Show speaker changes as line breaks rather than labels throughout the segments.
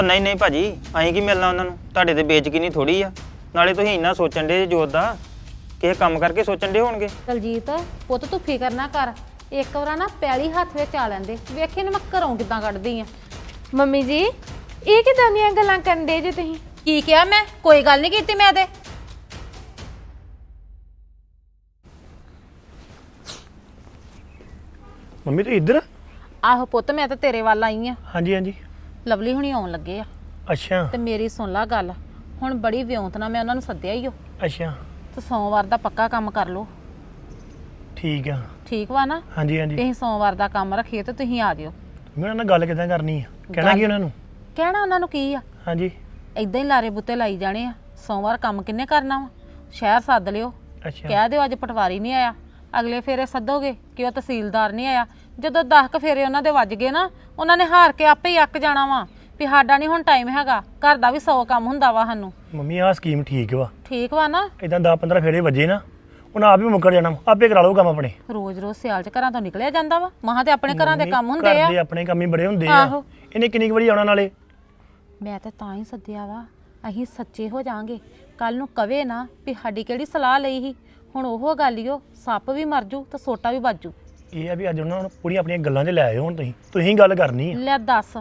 ਨਹੀਂ ਨਹੀਂ ਭਾਜੀ, ਅਸੀਂ ਕੀ ਮਿਲਣਾ ਉਹਨਾਂ ਨੂੰ, ਤੁਹਾਡੇ ਤੇ ਬੇਇੱਜ਼ਤੀ ਨਹੀਂ ਥੋੜੀ ਆ। ਨਾਲੇ ਤੁਸੀਂ ਇੰਨਾ ਸੋਚਣ ਦੇ ਜੋਤ ਦਾ, ਕਿਸੇ ਕੰਮ ਕਰਕੇ ਸੋਚਣ ਦੇ ਹੋਣਗੇ।
ਦਲਜੀਤ ਪੁੱਤ ਤੂੰ ਫਿਕਰ ਨਾ ਕਰ, ਇੱਕ ਵਾਰ ਨਾ ਪੈਲੀ ਹੱਥ ਵਿੱਚ ਆ ਲੈਂਦੇ, ਵੇਖੇ ਨੇ ਮੈਂ ਘਰੋਂ ਕਿੱਦਾਂ ਕੱਢਦੀ ਆ।
ਮੰਮੀ ਜੀ ਇਹ ਕਿਦਾਂ ਦੀਆਂ ਗੱਲਾਂ ਕਰਨ ਦੇ ਜੇ ਤੁਸੀਂ?
ਕੀ ਕਿਹਾ ਮੈਂ? ਕੋਈ ਗੱਲ ਨਹੀਂ ਕੀਤੀ ਮੈਂ ਤੇ।
ਮੰਮੀ ਤੂੰ ਇੱਧਰ?
ਆਹੋ ਪੁੱਤ ਮੈਂ ਤਾਂ ਤੇਰੇ ਵੱਲ ਆਈ ਆ।
ਹਾਂਜੀ ਹਾਂਜੀ।
ਲਵਲੀ ਹੁਣੀ ਆਉਣ ਲੱਗੇ ਆ
ਅੱਛਾ
ਤੇ ਮੇਰੀ ਸੁਣ ਲਾ ਗੱਲ, ਹੁਣ ਬੜੀ ਵਿਉਂਤ ਨਾਲ ਮੈਂ ਉਹਨਾਂ ਨੂੰ ਸੱਦਿਆ ਹੀ ਓ
ਅੱਛਾ
ਤੇ ਸੋਮਵਾਰ ਦਾ ਪੱਕਾ ਕੰਮ ਕਰ ਲਓ।
ਠੀਕ ਆ।
ਠੀਕ ਵਾ ਨਾ?
ਹਾਂਜੀ ਹਾਂਜੀ।
ਤੁਸੀਂ ਸੋਮਵਾਰ ਦਾ ਕੰਮ ਰੱਖੀਏ ਤੇ ਤੁਸੀਂ ਆ ਜਿਓ।
ਮੈਂ ਉਹਨਾਂ ਨਾਲ ਗੱਲ ਕਿੱਦਾਂ ਕਰਨੀ ਆ? ਕਹਿਣਾ ਕੀ ਉਹਨਾਂ ਨੂੰ?
ਕਹਿਣਾ ਉਹਨਾਂ ਨੂੰ ਕੀ ਆ,
ਹਾਂਜੀ
ਇਦਾਂ ਹੀ ਲਾਰੇ ਬੁੱਤੇ ਲਾਈ ਜਾਣੇ ਆ। ਸੋਮਵਾਰ ਕੰਮ ਕਿੰਨੇ ਕਰਨਾ ਵਾ? ਸ਼ਹਿਰ ਸੱਦ ਲਿਓ,
ਅੱਛਾ
ਕਹਿ ਦਿਓ ਅੱਜ ਪਟਵਾਰੀ ਨਹੀਂ ਆਇਆ, ਅਗਲੇ ਫੇਰੇ ਸੱਦੋਗੇ ਕਿ ਉਹ ਤਹਿਸੀਲਦਾਰ ਨਹੀਂ ਆਇਆ। ਜਦੋਂ 10 ਫੇਰੇ ਉਹਨਾਂ ਦੇ ਵੱਜ ਗਏ ਨਾ, ਉਹਨਾਂ ਨੇ ਹਾਰ ਕੇ ਆਪੇ ਹੀ ਅੱਕ ਜਾਣਾ ਵਾ ਵੀ ਸਾਡਾ ਨਹੀਂ ਹੁਣ ਟਾਈਮ ਹੈਗਾ, ਘਰ ਦਾ ਵੀ 100 ਕੰਮ ਹੁੰਦਾ ਵਾ ਸਾਨੂੰ।
ਮੰਮੀ ਆਹ ਸਕੀਮ ਠੀਕ ਵਾ।
ਠੀਕ ਵਾ ਨਾ?
ਇਦਾਂ 10-15 ਫੇਰੇ ਵੱਜੇ ਨਾ, ਉਹਨਾਂ ਆਪ ਹੀ ਮੁੱਕਰ ਜਾਣਾ, ਆਪੇ ਕਰਾ ਲਓ ਕੰਮ ਆਪਣੇ।
ਰੋਜ਼-ਰੋਜ਼ ਸਿਆਲ 'ਚ ਘਰਾਂ ਤੋਂ ਨਿਕਲਿਆ ਜਾਂਦਾ ਵਾ, ਮਹਾਂ ਤੇ ਆਪਣੇ ਘਰਾਂ ਦੇ ਕੰਮ ਹੁੰਦੇ ਆ।
ਘਰ ਦੇ ਆਪਣੇ ਕੰਮ ਹੀ ਬੜੇ ਹੁੰਦੇ ਆ।
ਆਹੋ।
ਇਹਨੇ ਕਿੰਨੀ ਕੁ ਵਾਰੀ ਆਉਣਾ ਨਾਲੇ?
ਮੈਂ ਤਾਂ ਹੀ ਸੱਦਿਆ ਵਾ, ਅਸੀਂ ਸੱਚੇ ਹੋ ਜਾਾਂਗੇ। ਕੱਲ ਨੂੰ ਕਵੇ ਨਾ ਵੀ ਸਾਡੀ ਕਿਹੜੀ ਸਲਾਹ ਲਈ ਸੀ। ਹੁਣ ਉਹ ਗੱਲ ਈ ਓ, ਸੱਪ ਵੀ ਮਰ ਜੂ ਤੇ ਸੋਟਾ ਵੀ ਵੱਜੂ।
ਇਹ ਆ ਵੀ ਅੱਜ ਉਹਨਾਂ ਨੂੰ ਪੂਰੀਆਂ ਆਪਣੀਆਂ ਗੱਲਾਂ 'ਚ ਲੈ ਆਇਓ। ਹੁਣ ਤੁਸੀਂ ਗੱਲ ਕਰਨੀ ਆ।
ਲੈ ਦੱਸ,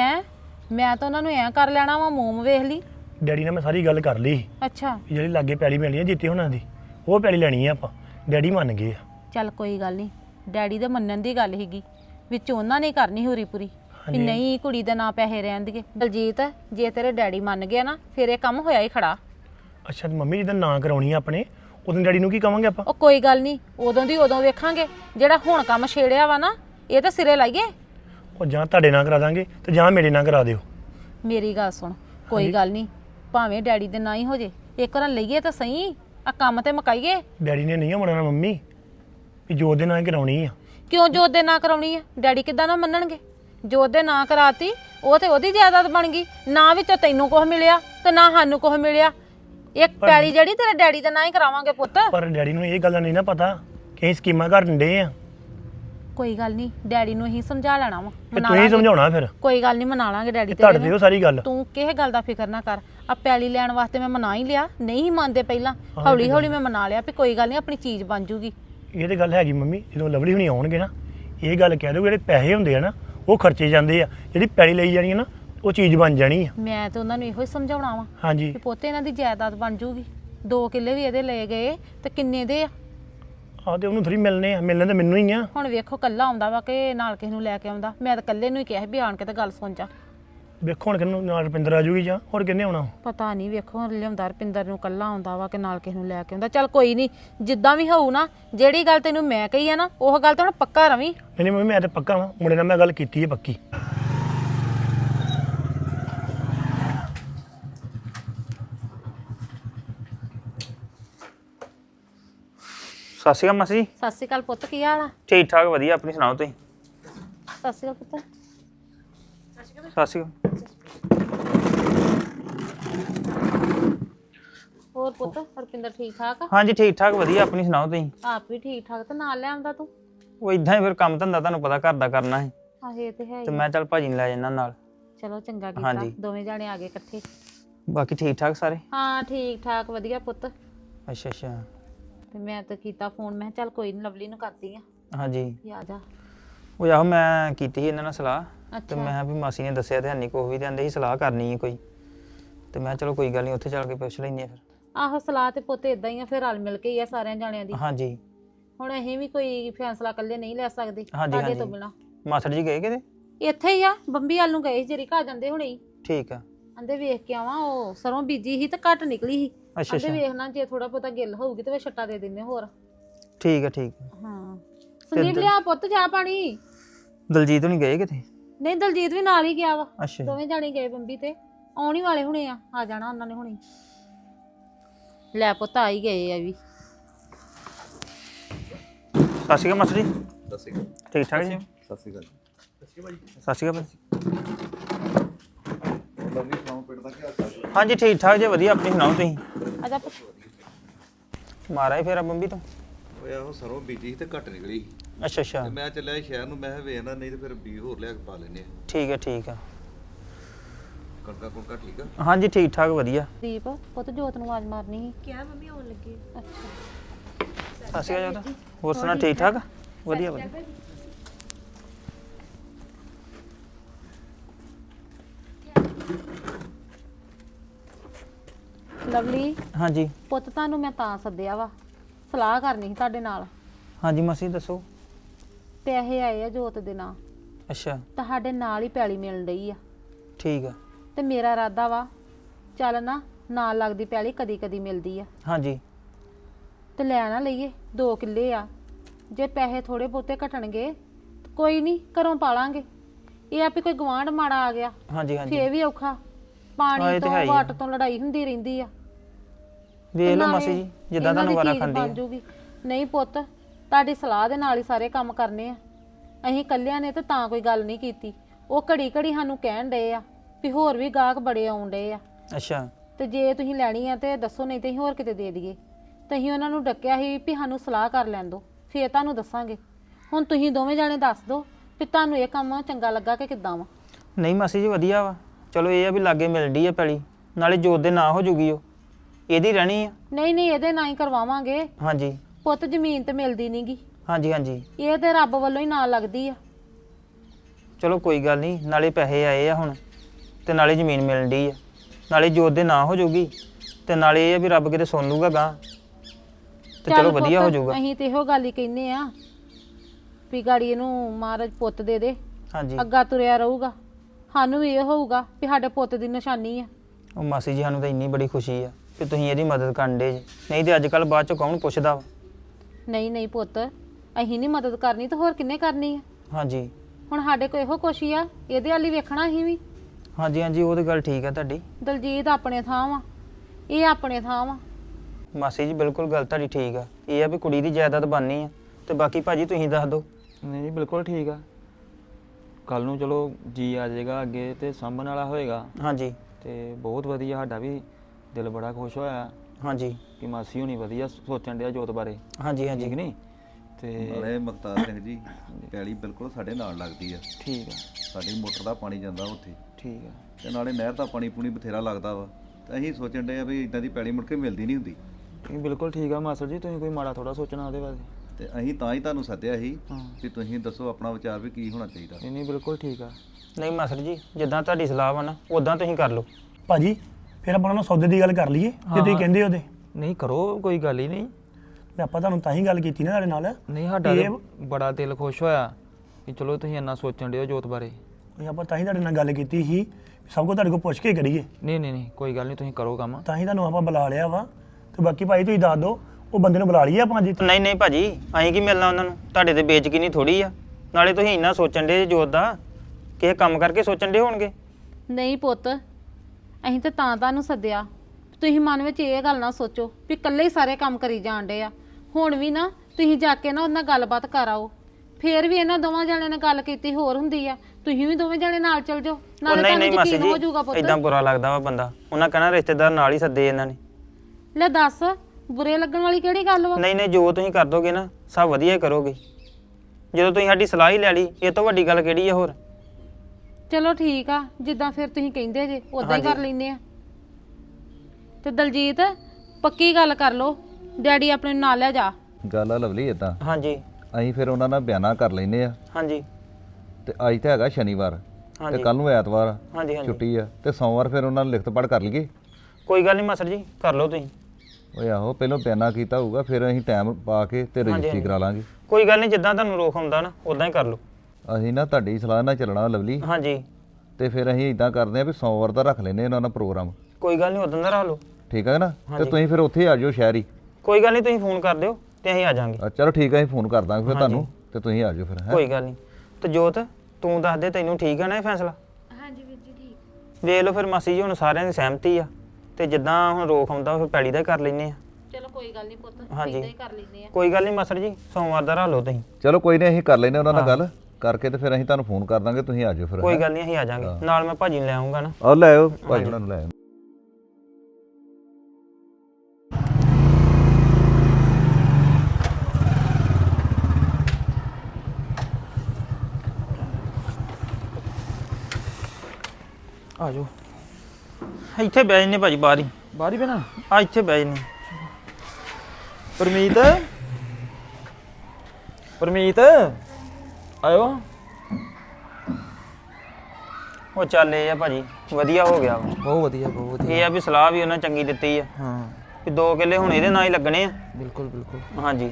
ਮੈਂ ਤਾਂ ਉਹਨਾਂ ਨੂੰ ਐਂ ਕਰ ਲੈਣਾ ਵਾ, ਮੋਮ ਵੇਖ ਲਈ।
ਡੈਡੀ ਨਾਲ ਮੈਂ ਸਾਰੀ ਗੱਲ ਕਰ ਲਈ।
ਅੱਛਾ
ਵੀ ਜਿਹੜੀ ਲਾਗੇ ਪੈਲੀ ਮਿਲਣੀ ਆ ਜਿੱਤੇ ਉਹਨਾਂ ਦੀ, ਉਹ ਪੈਲੀ ਲੈਣੀ ਆ ਆਪਾਂ। ਡੈਡੀ ਮੰਨ ਗਏ ਆ।
ਚੱਲ ਕੋਈ ਗੱਲ ਨਹੀਂ, ਡੈਡੀ ਦੇ ਮੰਨਣ ਦੀ ਗੱਲ ਹੀਗੀ, ਵਿੱਚ ਉਹਨਾਂ ਨੇ ਕਰਨੀ ਹੋਰੀ ਪੂਰੀ ਵੀ ਨਹੀਂ ਕੁੜੀ ਦੇ ਨਾਂ ਪੈਸੇ ਰਹਿਣਗੇ। ਦਲਜੀਤ ਜੇ ਤੇਰੇ ਡੈਡੀ ਮੰਨ ਗਿਆ ਨਾ, ਫਿਰ ਇਹ ਕੰਮ ਹੋਇਆ ਹੀ ਖੜਾ।
ਅੱਛਾ ਮੰਮੀ ਜਦੋਂ ਨਾਂ ਕਰਾਉਣੀ ਆ ਆਪਣੇ, ਉਦੋਂ ਡੈਡੀ ਨੂੰ ਕੀ ਕਵਾਂਗੇ ਆਪਾਂ?
ਉਹ ਕੋਈ ਗੱਲ ਨਹੀਂ, ਉਦੋਂ ਦੀ ਉਦੋਂ ਵੇਖਾਂਗੇ। ਜਿਹੜਾ ਹੁਣ ਕੰਮ ਛੇੜਿਆ ਵਾ ਨਾ, ਇਹ ਤਾਂ ਸਿਰੇ ਲਾਈਏ।
ਉਹ ਜਾਂ ਤੁਹਾਡੇ ਨਾਂ ਕਰਾ ਦਾਂਗੇ ਤੇ ਜਾਂ ਮੇਰੇ ਨਾਂ ਕਰਾ ਦਿਓ।
ਮੇਰੀ ਗੱਲ ਸੁਣ, ਕੋਈ ਗੱਲ ਨਹੀਂ, ਭਾਵੇਂ ਡੈਡੀ ਦੇ ਨਾਂ ਹੀ ਹੋ ਜੇ, ਇੱਕ ਵਾਰ ਲਈਏ ਤਾਂ ਸਹੀ, ਆ ਕੰਮ ਤੇ ਮੁਕਾਈਏ।
ਡੈਡੀ ਨੇ ਨਹੀਂ ਮੰਨਣਾ ਮੰਮੀ, ਵੀ ਜੋਤ ਦੇ ਨਾਂ ਹੀ ਕਰਾਉਣੀ ਆ।
ਕਿਉਂ ਜੋਤ ਦੇ ਨਾਂ ਕਰਾਉਣੀ ਆ? ਡੈਡੀ ਕਿੱਦਾਂ ਨਾ ਮੰਨਣਗੇ? ਜੋਤ ਦੇ ਨਾਂ ਕਰਾਤੀ, ਉਹ ਤੇ ਉਹਦੀ ਜਾਇਦਾਦ ਬਣ ਗਈ ਨਾ, ਵਿੱਚੋਂ ਤੈਨੂੰ ਕੁਝ ਮਿਲਿਆ ਤੇ ਨਾ ਸਾਨੂੰ ਕੁਝ ਮਿਲਿਆ। ਇੱਕ ਪੈਲੀ ਜਿਹੜੀ ਤੇਰੇ ਡੈਡੀ ਦੇ ਨਾਂ ਹੀ ਕਰਾਵਾਂਗੇ ਪੁੱਤ।
ਪਰ ਡੈਡੀ ਨੂੰ ਇਹ ਗੱਲ ਦਾ ਨਹੀਂ ਨਾ ਪਤਾ ਕਿ ਅਸੀਂ ਸਕੀਮਾਂ ਘਰ ਦਿੰਦੇ ਆ।
ਕੋਈ ਗੱਲ ਨਹੀਂ, ਡੈਡੀ ਨੂੰ ਹੀ ਸਮਝਾ ਲੈਣਾ ਵਾ,
ਤੇ ਤੁਸੀਂ ਸਮਝਾਉਣਾ ਫਿਰ।
ਕੋਈ ਗੱਲ ਨਹੀਂ, ਮਨਾ ਲਾਂਗੇ ਡੈਡੀ
ਧੜ
ਤੇਰੇ
ਦਿਓ ਸਾਰੀ ਗੱਲ।
ਤੂੰ ਕਿਸੇ ਗੱਲ ਦਾ ਫਿਕਰ ਨਾ ਕਰ। ਆ ਪੈਲੀ ਲੈਣ ਵਾਸਤੇ ਮੈਂ ਮਨਾ ਹੀ ਲਿਆ, ਨਹੀਂ ਮੰਨਦੇ ਪਹਿਲਾਂ, ਹੌਲੀ ਹੌਲੀ ਮੈਂ ਮਨਾ ਲਿਆ ਵੀ ਕੋਈ ਗੱਲ ਨਹੀਂ, ਆਪਣੀ ਚੀਜ਼ ਬਣ ਜੂਗੀ।
ਇਹ ਤੇ ਗੱਲ ਹੈਗੀ ਮੰਮੀ, ਜਦੋਂ ਲਵਲੀ ਹੁਣੀ ਆਉਣਗੇ ਨਾ, ਇਹ ਗੱਲ ਕਹਿ ਦਿਓ ਜਿਹੜੇ ਪੈਸੇ ਹੁੰਦੇ ਆ ਨਾ, ਉਹ ਖਰਚੇ ਜਾਂਦੇ ਆ, ਜਿਹੜੀ ਪੈਲੀ ਲਈ ਜਾਣੀ ਹੈ ਨਾ, ਉਹ ਚੀਜ਼ ਬਣ ਜਾਣੀ ਆ।
ਮੈਂ ਤੇ ਉਹਨਾਂ ਨੂੰ ਇਹੋ ਹੀ ਸਮਝਾਉਣਾ ਵਾ
ਹਾਂਜੀ
ਕਿ ਪੁੱਤ ਇਹਨਾਂ ਦੀ ਜਾਇਦਾਦ ਬਣ ਜੂਗੀ। 2 ਕਿੱਲੇ ਵੀ ਇਹਦੇ ਲਏ ਗਏ ਤੇ ਕਿੰਨੇ ਦੇ ਆ?
ਆਹ ਤੇ ਉਹਨੂੰ ਥੋੜੀ ਮਿਲਨੇ ਆ, ਮਿਲਣੇ ਤਾਂ ਮੈਨੂੰ ਹੀ ਆ।
ਹੁਣ ਵੇਖੋ ਕੱਲਾ ਆਉਂਦਾ ਵਾ ਕਿ ਨਾਲ ਕਿਸੇ ਨੂੰ ਲੈ ਕੇ ਆਉਂਦਾ। ਮੈਂ ਤਾਂ ਕੱਲੇ ਨੂੰ ਹੀ ਕਿਹਾ ਵੀ ਆਣ ਕੇ ਤੇ ਗੱਲ ਸੁਣ ਜਾ।
ਵੇਖੋ ਹੁਣ ਕਿਹਨੂੰ ਨਾਲ ਰੁਪਿੰਦਰ ਆ ਜੂਗੀ ਜਾਂ ਹੋਰ ਕਿੰਨੇ ਆਉਣਾ?
ਪਤਾ ਨਹੀਂ, ਵੇਖੋ ਲਿਆਉਂਦਾ ਰੁਪਿੰਦਰ ਨੂੰ ਕੱਲਾ ਆਉਂਦਾ ਵਾ ਕਿ ਨਾਲ ਕਿਸੇ ਨੂੰ ਲੈ ਕੇ ਆਉਂਦਾ। ਚੱਲ ਕੋਈ ਨਹੀਂ, ਜਿੱਦਾਂ ਵੀ ਹੋਊ ਨਾ, ਜਿਹੜੀ ਗੱਲ ਤੈਨੂੰ ਮੈਂ ਕਹੀ ਆ ਨਾ, ਉਹ ਗੱਲ ਤਾਂ ਹੁਣ ਪੱਕਾ ਰਵੀਂ।
ਨਹੀਂ ਮੰਮੀ ਮੈਂ ਤੇ ਪੱਕਾ ਵਾਂ, ਮੁੰਡੇ ਨਾਲ ਮੈਂ ਗੱਲ ਕੀਤੀ ਹੈ ਪੱਕੀ।
ਸਤਿ ਸ਼੍ਰੀ ਅਕਾਲ ਮਾਸੀ ਜੀ।
ਸਤਿ ਸ਼੍ਰੀ ਅਕਾਲ ਪੁੱਤ, ਕੀ ਹਾਲ ਆ?
ਠੀਕ ਠਾਕ ਵਧੀਆ, ਆਪਣੀ ਸੁਣਾਓ ਤੁਸੀਂ?
ਸਤਿ ਸ਼੍ਰੀ ਅਕਾਲ ਪੁੱਤ।
ਸਤਿ ਸ਼੍ਰੀ ਅਕਾਲ।
ਹੋਰ ਪੁੱਤ ਰੁਪਿੰਦਰ ਠੀਕ ਠਾਕ ਆ?
ਹਾਂਜੀ ਠੀਕ ਠਾਕ ਵਧੀਆ, ਆਪਣੀ ਸੁਣਾਓ ਤੁਸੀਂ?
ਆਪ ਵੀ ਠੀਕ ਠਾਕ, ਤੇ ਨਾਲ ਲੈ ਆਉਂਦਾ ਤੂੰ।
ਉਹ ਇਦਾਂ ਹੀ ਫਿਰ ਕੰਮ ਧੰਦਾ ਤੁਹਾਨੂੰ ਪਤਾ ਘਰ ਦਾ ਕਰਨਾ ਹੈ,
ਆਹ ਇਹ ਤੇ ਹੈ
ਤੇ
ਹੀ।
ਮੈਂ ਚੱਲ ਭਾਜੀ ਨੂੰ ਲੈ ਜਾਣਾ ਨਾਲ।
ਚਲੋ ਚੰਗਾ ਕੀਤਾ,
ਹਾਂਜੀ।
ਦੋਵੇਂ ਜਾਣੇ ਆ ਗਏ ਇਕੱਠੇ।
ਬਾਕੀ ਠੀਕ ਠਾਕ ਸਾਰੇ?
ਹਾਂ ਠੀਕ ਠਾਕ ਵਧੀਆ ਪੁੱਤ।
ਅੱਛਾ ਅੱਛਾ।
ਤੇ ਮੈਂ ਤਾਂ ਕੀਤਾ ਫੋਨ, ਮੈਂ ਕਿਹਾ ਚੱਲ ਕੋਈ ਨੀ, ਲਵਲੀ ਨੂੰ ਕਰਦੀ ਆ
ਹਾਂਜੀ
ਵੀ ਆ ਜਾ।
ਉਹ ਆਹੋ ਮੈਂ ਕੀਤੀ ਸੀ ਇਹਨਾਂ ਨਾਲ ਸਲਾਹ, ਤੇ
ਅੱਛਾ।
ਮੈਂ ਕਿਹਾ ਵੀ ਮਾਸੀ ਨੇ ਦੱਸਿਆ ਤੇ ਹੈਨੀ ਕੁਛ ਵੀ, ਤੇ ਕਹਿੰਦੇ ਸੀ ਸਲਾਹ ਕਰਨੀ ਹੈ ਕੋਈ, ਤੇ ਮੈਂ ਚਲੋ ਕੋਈ ਗੱਲ ਨਹੀਂ, ਉੱਥੇ ਚੱਲ ਕੇ ਪੁੱਛ ਲੈਂਦੇ ਆ ਫਿਰ।
ਆਹੋ ਸਲਾਹ ਤੇ ਪੁੱਤ ਇਦਾਂ ਹੀ ਆ, ਫਿਰ ਰਲ ਮਿਲ ਕੇ ਹੀ ਆ ਸਾਰਿਆਂ ਜਾਣਿਆਂ ਦੀ।
ਹਾਂਜੀ
ਹੁਣ ਅਸੀਂ ਵੀ ਕੋਈ ਫੈਸਲਾ ਇਕੱਲੇ ਨਹੀਂ ਲੈ ਸਕਦੇ
ਹਾਂਜੀ
ਤੁਹਾਡੇ
ਹਾਂਜੀ।
ਤੋਂ ਬਿਨਾ।
ਮਾਸੜ ਜੀ ਗਏ ਕਿਤੇ?
ਇੱਥੇ ਹੀ ਆ, ਬੰਬੀ ਵੱਲ ਨੂੰ ਗਏ ਸੀ, ਜਰੀ ਘਾ ਜਾਂਦੇ ਹੁਣੇ ਹੀ।
ਠੀਕ ਆ।
ਕਹਿੰਦੇ ਵੇਖ ਕੇ ਆਵਾਂ, ਉਹ ਸਰੋਂ ਬੀਜੀ ਸੀ ਤੇ ਘੱਟ ਨਿਕਲੀ ਸੀ।
ਅੱਛਾ
ਕਹਿੰਦੇ
ਅੱਛਾ
ਵੇਖਣਾ ਜੇ ਥੋੜਾ ਬਹੁਤਾ ਗਿੱਲ ਹੋਊਗੀ ਤੇ ਵੇ ਛੱਟਾ ਦੇ ਦਿੰਨੇ ਹੋਰ।
ਠੀਕ ਆ ਠੀਕ ਆ।
ਹਾਂ ਸੰਦੀਪ ਲਿਆ ਪੁੱਤ ਚਾਹ ਪਾਣੀ।
ਦਲਜੀਤ ਹੁਣੀ ਗਏ ਕਿਤੇ?
ਨਹੀਂ ਦਲਜੀਤ ਵੀ ਨਾਲ ਹੀ ਗਿਆ ਵਾ,
ਅੱਛਾ
ਦੋਵੇਂ ਜਾਣੇ ਗਏ ਬੰਬੀ ਤੇ, ਆਉਣ ਹੀ ਵਾਲੇ ਹੁਣੇ ਆ ਜਾਣਾ ਉਹਨਾਂ ਨੇ ਹੁਣੇ। ਲੈ ਪੁੱਤ ਆ ਹੀ ਗਏ ਆ ਵੀ।
ਸਤਿ ਸ਼੍ਰੀ ਅਕਾਲ ਮਾਸਟਰ ਜੀ।
ਸਤਿ ਸ਼੍ਰੀ ਅਕਾਲ।
ਠੀਕ ਠਾਕ ਜੀ?
ਸਤਿ ਸ਼੍ਰੀ ਅਕਾਲ।
ਸਤਿ ਸ਼੍ਰੀ ਅਕਾਲ ਭਾਜੀ।
ਹੋਰ ਲਵਲੀ ਸੁਣਾਓ, ਪਿੰਡ ਦਾ ਕੀ ਹਾਲ ਚਾਲ?
ਹਾਂਜੀ ਠੀਕ ਠਾਕ ਜੀ ਵਧੀਆ, ਆਪਣੀ ਸੁਣਾਓ ਤੁਸੀਂ?
ਆਜਾ ਪੁੱਤ।
ਮਾਰਾ ਹੀ ਫੇਰਾ ਬੰਬੀ ਤੋਂ?
ਓਏ ਆਹੋ ਸਰੋਂ ਬੀਜੀ ਸੀ ਤੇ ਘੱਟ ਨਿਕਲੀ,
ਅੱਛਾ ਅੱਛਾ।
ਤੇ ਮੈਂ ਚੱਲਿਆ ਸ਼ਹਿਰ ਨੂੰ, ਮੈਂ ਕਿਹਾ ਵੇਖਣਾ ਨਹੀਂ ਤੇ ਫਿਰ ਬੀਜ ਹੋਰ ਲਿਆ ਕੇ ਪਾ ਲੈਨੇ ਆ।
ਠੀਕ ਹੈ ਠੀਕ ਆ।
ਕਣਕਾ ਕੁਣਕਾ ਠੀਕ ਆ?
ਹਾਂਜੀ ਠੀਕ ਠਾਕ ਵਧੀਆ।
ਦੀਪ ਪੁੱਤ ਜੋਤ ਨੂੰ ਆਵਾਜ਼ ਮਾਰਨੀ ਸੀ।
ਕਿਆ ਮੰਮੀ ਆਉਣ ਲੱਗੇ?
ਅੱਛਾ
ਸਤਿ ਸ਼੍ਰੀ ਅਕਾਲ ਜੋਤ। ਹੋਰ ਸੁਣਾ ਠੀਕ ਠਾਕ? ਵਧੀਆ ਵਧੀਆ।
ਲਵਲੀ
ਹਾਂਜੀ
ਪੁੱਤ ਤੁਹਾਨੂੰ ਮੈਂ ਤਾਂ ਸੱਦਿਆ ਵਾ, ਸਲਾਹ ਕਰਨੀ ਸੀ ਤੁਹਾਡੇ ਨਾਲ।
ਹਾਂਜੀ ਮਾਸੀ ਦੱਸੋ।
ਪੈਸੇ ਆਏ ਆ ਜੋਤ ਦੇ ਨਾਂ,
ਅੱਛਾ
ਤੁਹਾਡੇ ਨਾਲ ਹੀ ਪੈਲੀ ਮਿਲਣ ਡਈ ਆ।
ਠੀਕ ਆ।
ਤੇ ਮੇਰਾ ਇਰਾਦਾ ਵਾ ਚੱਲ ਨਾ, ਨਾਲ ਲੱਗਦੀ ਪੈਲੀ ਕਦੀ ਕਦੀ ਮਿਲਦੀ ਆ,
ਹਾਂਜੀ
ਤੇ ਲੈ ਨਾ ਲਈਏ। 2 ਕਿੱਲੇ ਆ, ਜੇ ਪੈਸੇ ਥੋੜੇ ਬਹੁਤੇ ਘਟਣਗੇ ਤੇ ਕੋਈ ਨਹੀਂ, ਘਰੋਂ ਪਾਲਾਂਗੇ। ਇਹ ਆ ਵੀ ਕੋਈ ਗਵਾਂਢ ਮਾੜਾ ਆ ਗਿਆ
ਹਾਂਜੀ ਹਾਂਜੀ
ਫੇਰ ਵੀ ਔਖਾ,
ਹਾਂ,
ਪਾਣੀ
ਇਹ ਤੇ
ਤੋਂ
ਹੈ ਹੀ ਆ।
ਵੱਟ ਤੋਂ ਲੜਾਈ ਹੁੰਦੀ ਰਹਿੰਦੀ ਆ।
ਵੇਖ ਲਓ
ਨਾਲੇ
ਮਾਸੀ ਜੀ ਜਿੱਦਾਂ
ਇਹਨਾਂ
ਤੁਹਾਨੂੰ
ਦੀ
ਵਾਰਾ
ਚੀਜ਼
ਖਾਂਦੀ
ਬਣ
ਆ।
ਜੂਗੀ। ਨਹੀਂ ਪੁੱਤ, ਤੁਹਾਡੀ ਸਲਾਹ ਦੇ ਨਾਲ ਹੀ ਸਾਰੇ ਕੰਮ ਕਰਨੇ ਆ। ਅਸੀਂ ਕੱਲਿਆਂ ਨੇ ਤਾਂ ਕੋਈ ਗੱਲ ਨਹੀਂ ਕੀਤੀ। ਉਹ ਘੜੀ ਘੜੀ ਸਾਨੂੰ ਕਹਿਣ ਡਏ ਆ ਵੀ ਹੋਰ ਵੀ ਗਾਹਕ ਬੜੇ ਆਉਣ ਡਏ ਆ,
ਅੱਛਾ
ਤੇ ਜੇ ਤੁਸੀਂ ਲੈਣੀ ਆ ਤੇ ਦੱਸੋ, ਨਹੀਂ ਤੇ ਅਸੀਂ ਹੋਰ ਕਿਤੇ ਦੇ ਦਈਏ। ਤੇ ਅਸੀਂ ਉਹਨਾਂ ਨੂੰ ਡੱਕਿਆ ਸੀ ਵੀ ਸਾਨੂੰ ਸਲਾਹ ਕਰ ਲੈਣ ਦਿਓ, ਫੇਰ ਤੁਹਾਨੂੰ ਦੱਸਾਂਗੇ। ਹੁਣ ਤੁਸੀਂ ਦੋਵੇਂ ਜਾਣੇ ਦੱਸ ਦਿਓ ਵੀ ਤੁਹਾਨੂੰ ਇਹ ਕੰਮ ਚੰਗਾ ਲੱਗਾ ਕਿ ਕਿੱਦਾਂ ਵਾ।
ਨਹੀਂ ਮਾਸੀ ਜੀ ਵਧੀਆ ਵਾ। ਚਲੋ ਇਹ ਆ ਵੀ ਲਾਗੇ ਮਿਲਦੀ ਆ ਪੈਲੀ, ਨਾਲੇ ਜੋਤ ਦੇ ਨਾਂ ਹੋ ਜੂਗੀ, ਉਹ ਇਹਦੀ ਰਹਿਣੀ ਆ।
ਨਹੀਂ ਨਹੀਂ, ਇਹਦੇ ਨਾਲ ਹੀ ਕਰਵਾਵਾਂਗੇ
ਹਾਂਜੀ
ਪੁੱਤ, ਜ਼ਮੀਨ ਤੇ ਮਿਲਦੀ ਨਹੀਂਗੀ,
ਹਾਂਜੀ ਹਾਂਜੀ
ਇਹ ਤੇ ਰੱਬ ਵੱਲੋਂ ਹੀ ਨਾਲ ਲੱਗਦੀ ਆ।
ਚਲੋ ਕੋਈ ਗੱਲ ਨਹੀਂ, ਨਾਲੇ ਪੈਸੇ ਆਏ ਆ ਹੁਣ ਤੇ ਨਾਲੇ ਜ਼ਮੀਨ ਮਿਲਣ ਡਈ ਆ, ਨਾਲੇ ਜੋਤ ਦੇ ਨਾਂ ਹੋ ਜੂਗੀ, ਤੇ ਨਾਲੇ ਇਹ ਆ ਵੀ ਰੱਬ ਕਿਤੇ ਸੁਣ ਲੂਗਾ ਗਾਂ, ਤੇ ਚਲੋ ਵਧੀਆ ਹੋ ਜਾਊਗਾ।
ਅਸੀਂ ਤੇ ਇਹੋ ਗੱਲ ਹੀ ਕਹਿੰਨੇ ਆ ਵੀ ਗਾੜੀ ਇਹਨੂੰ ਮਹਾਰਾਜ ਪੁੱਤ ਦੇ ਦੇ,
ਹਾਂਜੀ
ਅੱਗਾ ਤੁਰਿਆ ਰਹੂਗਾ। ਸਾਨੂੰ ਵੀ ਇਹ ਹੋਊਗਾ ਵੀ ਸਾਡੇ ਪੁੱਤ ਦੀ ਨਿਸ਼ਾਨੀ ਆ।
ਉਹ ਮਾਸੀ ਜੀ ਸਾਨੂੰ ਤਾਂ ਇੰਨੀ ਬੜੀ ਖੁਸ਼ੀ ਆ ਕਿ ਤੁਸੀਂ ਇਹਦੀ ਮਦਦ ਕਰਨ ਦੇ ਜੇ, ਨਹੀਂ ਤੇ ਅੱਜ ਕੱਲ ਬਾਅਦ ਚ ਕੌਣ ਪੁੱਛਦਾ ਵਾ।
ਨਹੀਂ ਨਹੀਂ ਪੁੱਤ, ਅਸੀਂ ਨਹੀਂ ਮਦਦ ਕਰਨੀ ਤਾਂ ਹੋਰ ਕਿੰਨੇ ਕਰਨੀ ਆ।
ਹਾਂਜੀ
ਹੁਣ ਸਾਡੇ ਕੋਲ ਇਹੋ ਕੁਛ ਹੀ ਆ, ਇਹਦੇ ਵਾਲੀ ਵੇਖਣਾ ਅਸੀਂ ਵੀ।
ਹਾਂਜੀ ਹਾਂਜੀ ਉਹ ਤਾਂ ਗੱਲ ਠੀਕ ਆ ਤੁਹਾਡੀ।
ਦਲਜੀਤ ਆਪਣੇ ਥਾਂ ਵਾ, ਇਹ ਆਪਣੇ ਥਾਂ ਵਾ।
ਮਾਸੀ ਜੀ ਬਿਲਕੁਲ ਗੱਲ ਤੁਹਾਡੀ ਠੀਕ ਆ। ਇਹ ਆ ਵੀ ਕੁੜੀ ਦੀ ਜਾਇਦਾਦ ਬਣਨੀ ਆ, ਤੇ ਬਾਕੀ ਭਾਜੀ ਤੁਸੀਂ ਦੱਸ ਦਿਓ।
ਨਹੀਂ ਜੀ ਬਿਲਕੁਲ ਠੀਕ ਆ। ਕੱਲ ਨੂੰ ਚਲੋ ਜੀ ਆ ਜਾਏਗਾ ਅੱਗੇ ਤੇ ਸਾਂਭਣ ਵਾਲਾ ਹੋਏਗਾ,
ਹਾਂਜੀ
ਤੇ ਬਹੁਤ ਵਧੀਆ। ਸਾਡਾ ਵੀ ਦਿਲ ਬੜਾ ਖੁਸ਼ ਹੋਇਆ
ਹਾਂਜੀ
ਕਿ ਮਾਸੀ ਹੋਣੀ ਵਧੀਆ ਸੋਚਣ ਡਿਆ ਜੋਤ ਬਾਰੇ,
ਹਾਂਜੀ
ਠੀਕ
ਹਾਂਜੀ
ਨਹੀਂ? ਤੇ
ਨਾਲੇ ਮੁਖਤਾਰ ਸਿੰਘ ਜੀ ਪੈਲੀ ਬਿਲਕੁਲ ਸਾਡੇ ਨਾਲ ਲੱਗਦੀ ਆ।
ਠੀਕ ਆ
ਸਾਡੀ ਮੋਟਰ ਦਾ ਪਾਣੀ ਜਾਂਦਾ ਉੱਥੇ,
ਠੀਕ ਆ।
ਤੇ ਨਾਲੇ ਨਹਿਰ ਦਾ ਪਾਣੀ ਪੂਣੀ ਬਥੇਰਾ ਲੱਗਦਾ ਵਾ। ਤੇ ਅਸੀਂ ਸੋਚਣ ਡਏ ਆ ਵੀ ਇਦਾਂ ਦੀ ਪੈਲੀ ਮੁੜ ਕੇ ਮਿਲਦੀ ਨਹੀਂ ਹੁੰਦੀ,
ਇਹ ਬਿਲਕੁਲ ਠੀਕ ਆ ਮਾਸਟਰ ਜੀ, ਤੁਸੀਂ ਕੋਈ ਮਾੜਾ ਥੋੜਾ ਸੋਚਣਾ ਉਹਦੇ ਬਾਰੇ।
ਤੇ ਅਸੀਂ ਤਾਂ ਹੀ ਤੁਹਾਨੂੰ ਸੱਦਿਆ ਸੀ
ਹਾਂ
ਵੀ ਤੁਸੀਂ ਦੱਸੋ ਆਪਣਾ ਵਿਚਾਰ ਵੀ ਕੀ ਹੋਣਾ ਚਾਹੀਦਾ।
ਨਹੀਂ ਨਹੀਂ ਬਿਲਕੁਲ ਠੀਕ ਆ।
ਨਹੀਂ ਮਾਸਟਰ ਜੀ ਜਿੱਦਾਂ ਤੁਹਾਡੀ ਸਲਾਹ ਵਾ ਨਾ ਉਦਾਂ ਤੁਸੀਂ ਕਰ ਲਓ।
ਭਾਜੀ ਫਿਰ ਆਪਾਂ ਉਹਨਾਂ ਸੌਦੇ ਦੀ ਗੱਲ ਕਰ ਲਈਏ ਜੇ ਤੁਸੀਂ ਕਹਿੰਦੇ ਹੋ ਤੇ।
ਨਹੀਂ ਕਰੋ, ਕੋਈ ਗੱਲ ਹੀ ਨਹੀਂ।
ਮੈਂ ਆਪਾਂ ਤੁਹਾਨੂੰ ਤਾਂ ਹੀ ਗੱਲ ਕੀਤੀ ਨਾ ਤੁਹਾਡੇ ਨਾਲ।
ਨਹੀਂ ਸਾਡਾ ਤੇ ਬੜਾ ਦਿਲ ਖੁਸ਼ ਹੋਇਆ ਕਿ ਚਲੋ ਤੁਸੀਂ ਇੰਨਾ ਸੋਚਣ ਡਿਓ ਜੋਤ ਬਾਰੇ।
ਵੀ ਆਪਾਂ ਤਾਂ ਹੀ ਤੁਹਾਡੇ ਨਾਲ ਗੱਲ ਕੀਤੀ ਸੀ, ਸਭ ਕੁਝ ਤੁਹਾਡੇ ਕੋਲ ਪੁੱਛ ਕੇ ਕਰੀਏ।
ਨਹੀਂ ਨਹੀਂ ਨਹੀਂ ਕੋਈ ਗੱਲ ਨਹੀਂ, ਤੁਸੀਂ ਕਰੋ ਕੰਮ।
ਤਾਂ ਹੀ ਤੁਹਾਨੂੰ ਆਪਾਂ ਬੁਲਾ ਲਿਆ ਵਾ। ਤੇ ਬਾਕੀ ਭਾਈ ਤੁਸੀਂ ਦੱਸ ਦਿਓ, ਉਹ ਬੰਦੇ ਨੂੰ ਬੁਲਾ ਲਈਏ ਆਪਾਂ ਅੱਜ?
ਨਹੀਂ ਨਹੀਂ ਭਾਜੀ ਅਸੀਂ ਕੀ ਮਿਲਣਾ ਉਹਨਾਂ ਨੂੰ, ਤੁਹਾਡੇ ਤੇ ਬੇਇੱਜ਼ਤੀ ਨਹੀਂ ਥੋੜੀ ਆ। ਨਾਲੇ ਤੁਸੀਂ ਇੰਨਾ ਸੋਚਣ ਦੇ ਜੋਤ ਦਾ, ਕਿਸੇ ਕੰਮ ਕਰਕੇ ਸੋਚਣ ਦੇ ਹੋਣਗੇ।
ਨਹੀਂ ਪੁੱਤ, ਅਸੀਂ ਤੇ ਤਾਂ ਤੁਹਾਨੂੰ ਸੱਦਿਆ, ਤੁਸੀਂ ਮਨ ਵਿੱਚ ਇਹ ਗੱਲ ਨਾ ਸੋਚੋ ਵੀ ਇਕੱਲੇ ਹੀ ਸਾਰੇ ਕੰਮ ਕਰੀ ਜਾਣ ਡੇ ਆ। ਹੁਣ ਵੀ ਨਾ ਤੁਸੀਂ ਜਾ ਕੇ ਨਾ ਉਹਨਾਂ ਨਾਲ ਗੱਲਬਾਤ ਕਰ ਆਓ। ਫੇਰ ਵੀ ਇਹਨਾਂ ਦੋਵਾਂ ਜਣਿਆਂ ਨੇ ਗੱਲ ਕੀਤੀ ਹੋਰ ਹੁੰਦੀ ਆ, ਤੁਸੀਂ ਵੀ ਦੋਵੇਂ ਜਣੇ ਨਾਲ ਚੱਲ ਜਾਓ,
ਉਹ
ਨਾਲੇ
ਨਹੀਂ ਨਹੀਂ
ਤੁਹਾਨੂੰ
ਮਾਸੀ
ਯਕੀਨ ਹੋ ਜਾਊਗਾ
ਜੀ
ਪੁੱਤ।
ਇਦਾਂ ਬੁਰਾ ਲੱਗਦਾ ਵਾ ਬੰਦਾ, ਉਹਨਾਂ ਕਹਿਣਾ ਰਿਸ਼ਤੇਦਾਰ ਨਾਲ ਹੀ ਸੱਦੇ ਇਹਨਾਂ ਨੇ।
ਲੈ ਦੱਸ, ਬੁਰੇ ਲੱਗਣ ਵਾਲੀ ਕਿਹੜੀ ਗੱਲ ਵਾ?
ਨਹੀਂ ਨਹੀਂ ਜੋ ਤੁਸੀਂ ਕਰ ਦੋਗੇ ਨਾ ਸਭ ਵਧੀਆ ਹੀ ਕਰੋਗੇ। ਜਦੋਂ ਤੁਸੀਂ ਸਾਡੀ ਸਲਾਹ ਹੀ ਲੈ ਲਈ, ਇਹ ਤੋਂ ਵੱਡੀ ਗੱਲ ਕਿਹੜੀ ਆ ਹੋਰ।
ਚਲੋ ਠੀਕ ਆ, ਜਿੱਦਾਂ ਫਿਰ ਤੁਸੀਂ ਕਹਿੰਦੇ ਜੇ ਉਦਾਂ ਹੀ
ਹਾਂਜੀ।
ਕਰ ਲੈਨੇ ਆ। ਤੇ ਦਲਜੀਤ ਪੱਕੀ ਗੱਲ ਕਰ ਲੋ, ਡੈਡੀ ਆਪਣੇ ਨੂੰ ਨਾਲ ਲੈ ਜਾ।
ਗੱਲ ਆ ਲਵਲੀ ਇਦਾਂ,
ਹਾਂਜੀ
ਅਸੀਂ ਫਿਰ ਉਹਨਾਂ ਨਾਲ ਬਿਆਨਾ ਕਰ ਲੈਨੇ ਆ।
ਹਾਂਜੀ
ਤੇ ਅੱਜ ਤਾਂ ਹੈਗਾ ਸ਼ਨੀਵਾਰ, ਤੇ
ਹਾਂਜੀ
ਕੱਲ ਨੂੰ ਐਤਵਾਰ
ਹਾਂਜੀ ਹਾਂਜੀ
ਛੁੱਟੀ ਆ, ਤੇ ਸੋਮਵਾਰ ਫਿਰ ਉਹਨਾਂ ਨੂੰ ਲਿਖਤ ਪੜ੍ਹ ਕਰ ਲਈਏ।
ਕੋਈ ਗੱਲ ਨਹੀਂ ਮਾਸਟਰ ਜੀ ਕਰ ਲਓ ਤੁਸੀਂ।
ਓਏ ਆਹੋ ਪਹਿਲਾਂ ਬਿਆਨਾ ਕੀਤਾ ਹੋਊਗਾ, ਫਿਰ ਅਸੀਂ ਟਾਈਮ ਪਾ ਕੇ ਤੇ ਰਜਿਸਟਰੀ
ਹਾਂਜੀ।
ਕਰਾ ਲਾਂਗੇ।
ਕੋਈ ਗੱਲ ਨਹੀਂ ਜਿੱਦਾਂ ਤੁਹਾਨੂੰ ਰੋਕ ਆਉਂਦਾ ਨਾ ਉਦਾਂ ਹੀ ਕਰ ਲਓ।
ਅਸੀਂ ਨਾ ਤੁਹਾਡੀ ਸਲਾਹ ਨਾਲ ਚੱਲਣਾ ਲਵਲੀ,
ਹਾਂਜੀ
ਤੇ ਫਿਰ ਅਸੀਂ ਇਦਾਂ ਕਰਦੇ ਆ ਵੀ ਸੋਮਵਾਰ ਦਾ ਰੱਖ ਲੈਨੇ ਉਹਨਾਂ ਦਾ ਪ੍ਰੋਗਰਾਮ।
ਕੋਈ ਗੱਲ ਨਹੀਂ ਉਦਾਂ ਦਾ ਰੱਖ ਲਓ।
ਠੀਕ ਹੈ ਨਾ? ਤੇ
ਹਾਂਜੀ।
ਤੁਸੀਂ ਫਿਰ ਉੱਥੇ ਆ ਜਾਓ ਸ਼ਹਿਰ ਹੀ।
ਕੋਈ ਗੱਲ ਨਹੀਂ ਤੁਸੀਂ ਫੋਨ ਕਰ ਦਿਓ ਤੇ ਅਸੀਂ ਆ ਜਾਾਂਗੇ।
ਚਲੋ ਠੀਕ ਹੈ, ਅਸੀਂ ਫੋਨ ਕਰ ਦਾਂਗੇ ਫਿਰ
ਹਾਂਜੀ।
ਤੁਹਾਨੂੰ, ਤੇ ਤੁਸੀਂ ਆ ਜਾਓ ਫਿਰ। ਹੈਂ?
ਕੋਈ ਗੱਲ ਨਹੀਂ। ਤੇ ਜੋਤ ਤੂੰ ਦੱਸ ਦੇ ਤੈਨੂੰ ਠੀਕ ਆ ਨਾ ਇਹ ਫੈਸਲਾ?
ਹਾਂਜੀ ਵੀਰ ਜੀ ਠੀਕ।
ਵੇਖ ਲਓ ਫਿਰ ਮਾਸੀ ਜੀ ਹੁਣ ਸਾਰਿਆਂ ਦੀ ਸਹਿਮਤੀ ਆ, ਤੇ ਜਿੱਦਾਂ ਹੁਣ ਰੋਕ ਆਉਂਦਾ ਫਿਰ ਪੈਲੀ ਦਾ ਹੀ ਕਰ ਲੈਨੇ ਆ।
ਚਲੋ ਕੋਈ ਗੱਲ ਨਹੀਂ ਪੁੱਤ,
ਹਾਂਜੀ।
ਇਦਾਂ ਹੀ ਕਰ ਲੈਨੇ ਆ।
ਕੋਈ ਗੱਲ ਨਹੀਂ ਮਾਸਟਰ ਜੀ ਸੋਮਵਾਰ ਦਾ ਰੱਖ ਲਓ ਤੁਸੀਂ।
ਚਲੋ ਕੋਈ ਨਹੀਂ, ਅਸੀਂ ਕਰ ਲੈਨੇ ਉਹਨਾਂ ਨਾਲ ਗੱਲ ਕਰਕੇ, ਤੇ ਫਿਰ ਅਸੀਂ ਤੁਹਾਨੂੰ ਫੋਨ ਕਰ ਦਾਂਗੇ, ਤੁਸੀਂ ਆ ਜਾਓ ਫਿਰ।
ਕੋਈ
ਹੈਂ?
ਗੱਲ ਨਹੀਂ ਅਸੀਂ ਆ ਜਾਾਂਗੇ ਨਾਲ, ਮੈਂ ਭਾਜੀ ਨੂੰ ਲੈ ਆਉਂਗਾ ਨਾ।
ਆਓ ਲੈ ਆਓ ਭਾਈ ਉਹਨਾਂ ਨੂੰ ਲੈ ਆਓ।
ਆ ਜਾਓ। ਇੱਥੇ ਬਹਿ ਜੰਨੇ ਭਾਜੀ ਬਾਹਰ ਹੀ।
ਬਾਹਰ ਹੀ ਬਹਿਣਾ।
ਆ ਇੱਥੇ ਬਹਿ ਜੰਨੇ।
ਪਰਮੀਤ ਪਰਮੀਤ ਆਇਓ।
ਉਹ ਚੱਲ ਇਹ ਆ ਭਾਜੀ ਵਧੀਆ ਹੋ ਗਿਆ ਵਾ।
ਬਹੁਤ ਵਧੀਆ ਬਹੁਤ ਵਧੀਆ।
ਇਹ ਆ ਵੀ ਸਲਾਹ ਵੀ ਉਹਨਾਂ ਚੰਗੀ ਦਿੱਤੀ ਆ
ਹਾਂ
ਵੀ 2 ਕਿੱਲੇ ਹੁਣ ਇਹਦੇ ਨਾਲ ਹੀ ਲੱਗਣੇ ਆ।
ਬਿਲਕੁਲ ਬਿਲਕੁਲ
ਹਾਂਜੀ